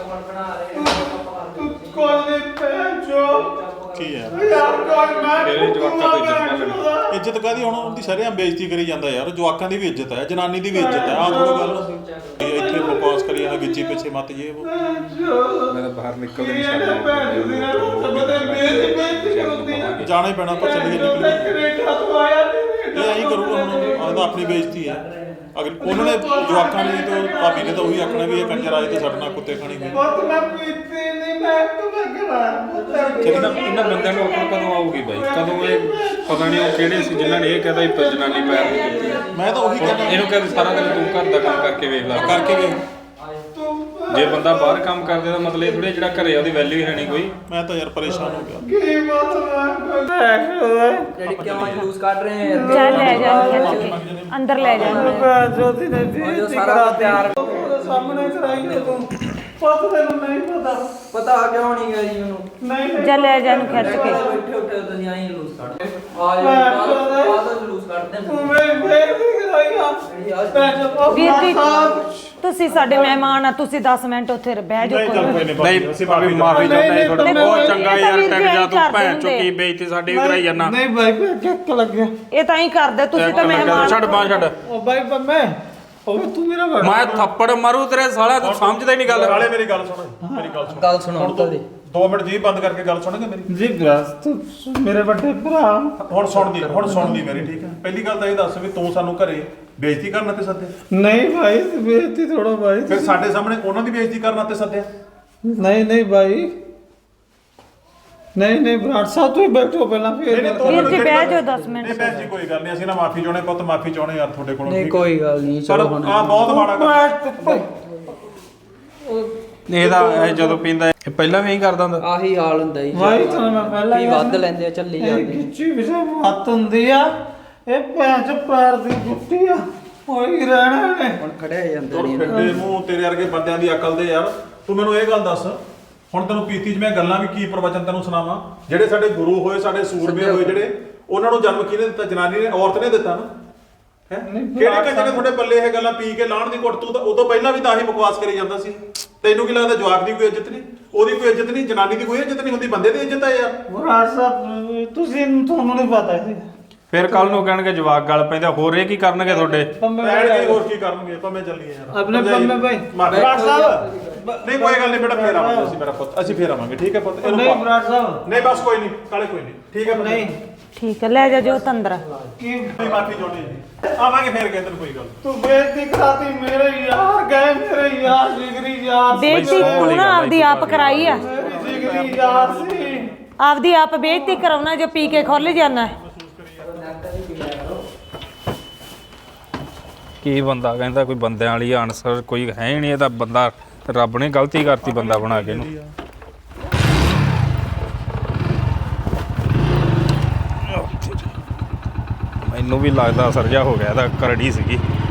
ਤੂੰ ਕੋਈ ਭੈਣ ਚੋ
ਕੀ ਹੈ
ਯਾਰ ਕੋਈ ਮੈਂ
ਤੇਰੇ ਜਵਾਕਾਂ ਤੋਂ ਇੱਜ਼ਤ ਨਾ ਲੈਣੀ।
ਇੱਜ਼ਤ ਕਾਦੀ? ਹੁਣ ਉਹਦੀ ਸ਼ਰੇਆਮ ਬੇਇੱਜ਼ਤੀ ਕਰੀ ਜਾਂਦਾ ਯਾਰ। ਜਵਾਕਾਂ ਦੀ ਵੀ ਇੱਜ਼ਤ ਹੈ, ਜਨਾਨੀ ਦੀ ਵੀ ਇੱਜ਼ਤ ਹੈ। ਆਹ ਥੋੜੀ ਗੱਲ ਇੱਥੇ ਬਕਵਾਸ ਕਰੀ ਜਾਂਦਾ ਗਿੱਚੀ ਪਿੱਛੇ ਮੱਤ ਜੇ ਉਹ।
ਮੈਂ ਤਾਂ ਬਾਹਰ ਨਿਕਲਦੇ ਨਹੀਂ
ਭੈਣ ਦੀ ਨਾ ਬਦੇ ਬੇਇੱਜ਼ਤੀ ਹੁੰਦੀ ਆ।
ਜਾਣਾ ਹੀ ਪੈਣਾ ਪਰ ਚੱਲੀਏ ਨਿਕਲੀ।
ਕੈਨੇਡਾ ਤੋਂ ਆਇਆ
ਇਹ ਐਂ ਕਰੂਗਾ ਹੁਣ, ਆਹ ਤਾਂ ਆਪਣੀ ਬੇਇੱਜ਼ਤੀ ਹੈ। ਅਗਰ ਉਹਨਾਂ ਨੇ ਜਵਾਕਾਂ ਨੇ ਤੇ ਭਾਬੀ ਨੇ ਤਾਂ ਉਹੀ ਆਖਣਾ ਵੀ ਇਹ ਕੰਜਰ ਆਏ ਤੇ ਸਾਡੇ ਨਾਲ ਕੁੱਤੇ ਖਾਣੀ ਗਏ।
ਬਹੁਤ ਮੈਂ ਪੀਤੀ ਨਹੀਂ ਮੈਂ ਤੂੰ
ਇਹਨਾਂ ਬੰਦਿਆਂ ਨੂੰ ਅਕਲ ਕਦੋਂ ਆਊਗੀ ਬਾਈ? ਕਦੋਂ ਇਹ ਪਤਾ ਨਹੀਂ ਉਹ ਕਿਹੜੇ ਸੀ ਜਿਨ੍ਹਾਂ ਨੇ ਇਹ ਕਹਦਾ ਹੀ ਜਨਾਨੀ ਪੈਰ ਨਹੀਂ ਕੀਤੀ।
ਮੈਂ ਤਾਂ ਉਹੀ ਕਹਿੰਦਾ
ਇਹਨੂੰ ਕਹਿੰਦੇ ਸਾਰਾ ਦਿਨ ਤੂੰ ਘਰ ਦਾ ਕੰਮ ਕਰਕੇ ਵੇਖ ਲੈ
ਕਰਕੇ ਵੇ।
ਜੇ ਬੰਦਾ ਬਾਹਰ ਕੰਮ ਕਰਦੇ ਦਾ ਮਤਲਬ ਇਹ ਥੋੜੇ ਜਿਹੜਾ ਘਰੇ ਆ ਉਹਦੀ ਵੈਲਿਊ ਹੈ ਨਹੀਂ ਕੋਈ।
ਮੈਂ ਤਾਂ ਯਾਰ ਪਰੇਸ਼ਾਨ ਹੋ ਗਿਆ।
ਕੀ ਮਤਲਬ
ਡੈਡੀ ਕਿਉਂ ਜਲੂਸ ਕੱਢ ਰਹੇ ਆ
ਚੱਲ ਲੈ ਜਾ ਖਿੱਚ ਕੇ ਅੰਦਰ ਲੈ ਜਾ
ਭੈਣ ਚੋਦੀ ਨੇ
ਉਹ
ਬੇਇੱਜ਼ਤੀ
ਸਾਰਾ
ਕਰਾ
ਪਿਆਰ
ਉਹਦੇ ਸਾਹਮਣੇ ਕਰਾਈ ਤੇ ਤੂੰ ਪਤਾ ਤੈਨੂੰ ਨਹੀਂ
ਪਤਾ ਕਿਉਂ ਨਹੀਂ ਗਿਆ ਜੀ ਉਹਨੂੰ
ਨਹੀਂ
ਚੱਲ ਲੈ ਜਾ ਇਹਨੂੰ ਖਿੱਚ ਕੇ
ਬੈਠੇ ਉੱਠੇ ਤੁਸੀਂ ਆਈ ਜਲੂਸ ਕੱਢਦੇ ਆ ਜਾ ਜਲੂਸ ਕੱਢਦੇ
ਤੂੰ ਮੇਰੀ ਬੇਇੱਜ਼ਤੀ ਕਰਾਈ ਆ ਭੈਣ ਚੋ
ਵੀਰ ਜੀ ਤੁਸੀਂ ਸਾਡੇ ਮਹਿਮਾਨ ਆ ਤੁਸੀਂ 10 ਮਿੰਟ ਉੱਥੇ ਬਹਿ ਜਾਓ ਕੋਈ
ਨਹੀਂ ਭਾਵੇਂ ਮਾਫੀ ਚਾਹੁੰਦਾ ਇਹ ਥੋੜਾ ਬਹੁਤ ਚੰਗਾ ਯਾਰ ਟਿਕ ਜਾ ਤੂੰ ਭੈਣ ਚੋ ਕੀ ਬੇਇੱਜ਼ਤੀ ਸਾਡੀ ਵੀ ਕਰਾਈ ਜਾਂਦਾ।
ਨਹੀਂ ਬਾਈ ਕਿੱਕ ਲੱਗਿਆ
ਇਹ ਤਾਂ ਹੀ ਕਰਦੇ ਤੁਸੀਂ ਤਾਂ ਮਹਿਮਾਨ
ਛੱਡ ਬਾਂਹ ਛੱਡ।
ਉਹ ਬਾਈ ਮੈਂ ਉਹ ਤੂੰ ਮੇਰਾ
ਮੈਂ ਥੱਪੜ ਮਾਰੂ ਤੇਰੇ ਸਾਲਾ ਤੂੰ ਸਮਝਦਾ ਹੀ ਨਹੀਂ ਗੱਲ।
ਨਾਲੇ ਮੇਰੀ ਗੱਲ ਸੁਣ, ਮੇਰੀ ਗੱਲ ਸੁਣ।
ਗੱਲ ਸੁਣਾਉਣ ਤਾਂ ਦੇ
2 ਮਿੰਟ ਜੀ ਬੰਦ ਕਰਕੇ ਗੱਲ ਸੁਣੋਗੇ ਮੇਰੀ?
ਜੀ ਬਸ ਤੂੰ ਮੇਰੇ ਵੱਡੇ ਭਰਾ
ਹੁਣ ਸੁਣਦੀ ਮੇਰੀ, ਠੀਕ ਹੈ? ਪਹਿਲੀ ਗੱਲ ਤਾਂ ਇਹ ਦੱਸ ਵੀ ਤੂੰ ਸਾਨੂੰ ਘਰੇ ਬੇਇੱਜ਼ਤੀ ਕਰਨ ਤੇ ਸੱਦਿਆ?
ਨਹੀਂ ਭਾਈ ਬੇਇੱਜ਼ਤੀ ਥੋੜਾ ਭਾਈ
ਫਿਰ ਸਾਡੇ ਸਾਹਮਣੇ ਉਹਨਾਂ ਦੀ ਬੇਇੱਜ਼ਤੀ ਕਰਨ ਤੇ ਸੱਦਿਆ?
ਨਹੀਂ ਭਾਈ ਨਹੀਂ ਬਰਾੜ ਸਾਹਿਬ ਤੁਸੀਂ ਬੈਠੋ ਪਹਿਲਾਂ ਫਿਰ
ਨਹੀਂ,
ਵੀਰ ਜੀ ਬਹਿ ਜਾਓ 10 ਮਿੰਟ
ਨਹੀਂ ਭੈਣ ਜੀ ਕੋਈ ਗੱਲ ਨਹੀਂ, ਅਸੀਂ ਨਾ ਮਾਫੀ ਚਾਹੁੰਦੇ ਪੁੱਤ, ਮਾਫੀ ਚਾਹੁੰਦੇ ਯਾਰ ਤੁਹਾਡੇ ਕੋਲੋਂ।
ਨਹੀਂ ਕੋਈ ਗੱਲ ਨਹੀਂ
ਪਰ
ਚਲੋ ਹੁਣ
ਆ ਬਹੁਤ ਮਾੜਾ ਕੰਮ।
ਇਹਦਾ ਇਹ ਜਦੋਂ ਪੀਂਦਾ ਇਹ ਪਹਿਲਾਂ ਵੀ ਇਹੀ ਕਰਦਾ ਹੁੰਦਾ।
ਆਹੀ ਹਾਲ ਹੁੰਦਾ ਜੀ
ਭਾਈ ਤੁਹਾਨੂੰ ਮੈਂ ਪਹਿਲਾਂ
ਕੀ ਵੱਧ ਲੈਂਦੇ ਆ ਚੱਲੀ ਜਾਂਦੇ
ਕਿੱਚੀ ਵਿਸ਼ੇ ਮੱਤ ਹੁੰਦੀ ਆ ਇਹ ਭੈਣ ਚ ਪੈਰ ਦੀ ਜੁੱਤੀ ਆ ਹੋਈ ਰਹਿਣਾ ਨੇ
ਹੁਣ ਖੜਿਆ ਜਾਂਦੇ
ਤੁਰ
ਨਹੀਂ
ਫਿਰਦੇ ਮੂੰਹ ਤੇਰੇ ਵਰਗੇ ਬੰਦਿਆਂ ਦੀ ਅਕਲ ਦੇ ਯਾਰ। ਤੂੰ ਮੈਨੂੰ ਇਹ ਗੱਲ ਦੱਸ, ਹੁਣ ਤੈਨੂੰ ਪੀਤੀ 'ਚ ਮੈਂ ਗੱਲਾਂ ਵੀ ਕੀ ਪ੍ਰਵਚਨ ਤੈਨੂੰ ਸੁਣਾਵਾਂ? ਜਿਹੜੇ ਸਾਡੇ ਗੁਰੂ ਹੋਏ, ਸਾਡੇ ਸੂਰਮੇ ਹੋਏ ਜਿਹੜੇ, ਉਹਨਾਂ ਨੂੰ ਜਨਮ ਕਿਹਨੇ ਦਿੱਤਾ? ਜਨਾਨੀ ਨੇ, ਔਰਤ ਨੇ ਦਿੱਤਾ ਨਾ। ਹੈ ਕਿਹੜੇ ਕੰਜਰ ਨੇ ਤੁਹਾਡੇ ਪੱਲੇ ਇਹ ਗੱਲਾਂ ਪੀ ਕੇ ਲਾਣ ਦੀ ਘੁੱਟ? ਤੂੰ ਤਾਂ ਉਦੋਂ ਪਹਿਲਾਂ ਵੀ ਤਾਂ ਹੀ ਬਕਵਾਸ ਕਰੀ ਜਾਂਦਾ ਸੀ। ਤੈਨੂੰ ਕੀ ਲੱਗਦਾ ਜਵਾਕ ਦੀ ਕੋਈ ਇੱਜ਼ਤ ਨਹੀਂ, ਉਹਦੀ ਕੋਈ ਇੱਜ਼ਤ ਨਹੀਂ, ਜਨਾਨੀ ਦੀ ਕੋਈ ਇੱਜ਼ਤ ਨਹੀਂ ਹੁੰਦੀ, ਬੰਦੇ ਦੀ ਇੱਜ਼ਤ ਹੈ ਯਾਰ।
ਬਰਾੜ ਸਾਹਿਬ ਤੁਸੀਂ ਤੁਹਾਨੂੰ ਨਹੀਂ ਪਤਾ ਇਹ
ਫਿਰ ਕੱਲ ਨੂੰ ਕਹਿਣਗੇ ਜਵਾਕ ਗੱਲ ਪੈਂਦਾ, ਹੋਰ ਇਹ ਕੀ ਕਰਨਗੇ ਤੁਹਾਡੇ?
ਬੈਠ ਕੇ ਹੋਰ ਕੀ ਕਰਨਗੇ? ਪੰਮੇ ਚੱਲੀਏ ਯਾਰ
ਆਪਣੇ ਪੰਮੇ ਭਾਈ
ਬਰਾੜ ਸਾਹਿਬ ਨਹੀਂ ਕੋਈ ਗੱਲ ਨਹੀਂ ਬੇਟਾ, ਫੇਰ ਆਵਾਂਗੇ ਅਸੀਂ, ਮੇਰਾ ਪੁੱਤ, ਅਸੀਂ ਫੇਰ ਆਵਾਂਗੇ, ਠੀਕ ਹੈ ਪੁੱਤ? ਇਹਨੂੰ
ਨਹੀਂ
ਪਾ-
ਬਰਾੜ ਸਾਹਿਬ
ਨਹੀਂ ਬਸ ਕੋਈ ਨਹੀਂ ਕਾਲੇ, ਕੋਈ ਨਹੀਂ, ਠੀਕ ਹੈ ਪੁੱਤ?
ਨਹੀਂ
ਠੀਕ ਹੈ ਲੈ ਜਾ ਜੋ ਤੰਦਰ
ਕੀ
ਮਾਫੀ ਚਾਹੁੰਦੇ ਜੀ, ਆਵਾਂਗੇ ਫੇਰ ਕਹਿੰਦੇ ਕੋਈ ਗੱਲ।
ਤੂੰ ਬੇਇੱਜ਼ਤੀ ਕਰਾਤੀ ਮੇਰੇ ਯਾਰ ਗਏ ਮੇਰੇ ਯਾਰ ਜਿਗਰੀ ਯਾਰ
ਬੇਇੱਜ਼ਤੀ ਤੂੰ ਨਾ ਆਪਦੀ ਆਪ ਕਰਾਈ ਆ
ਮੇਰੀ ਜਿਗਰੀ ਯਾਰ ਸੀ
ਆਪਦੀ ਆਪ ਬੇਇੱਜ਼ਤੀ ਕਰਾਉਣਾ ਜੋ ਪੀ ਕੇ ਖੁੱਲ ਜਾਣਾ
ਕੀ ਬੰਦਾ ਕਹਿੰਦਾ ਕੋਈ ਬੰਦਿਆਂ ਵਾਲੀ ਆਨਸਰ ਕੋਈ ਹੈ ਹੀ ਨਹੀਂ। ਇਹਦਾ ਬੰਦਾ ਰੱਬ ਨੇ ਗਲਤੀ ਕਰਤੀ ਬੰਦਾ ਬਣਾ ਕੇ ਇਹਨੂੰ। ਮੈਨੂੰ ਵੀ ਲੱਗਦਾ ਅਸਰ ਜਿਹਾ ਹੋ ਗਿਆ ਇਹਦਾ, ਕਰੜੀ ਸੀਗੀ।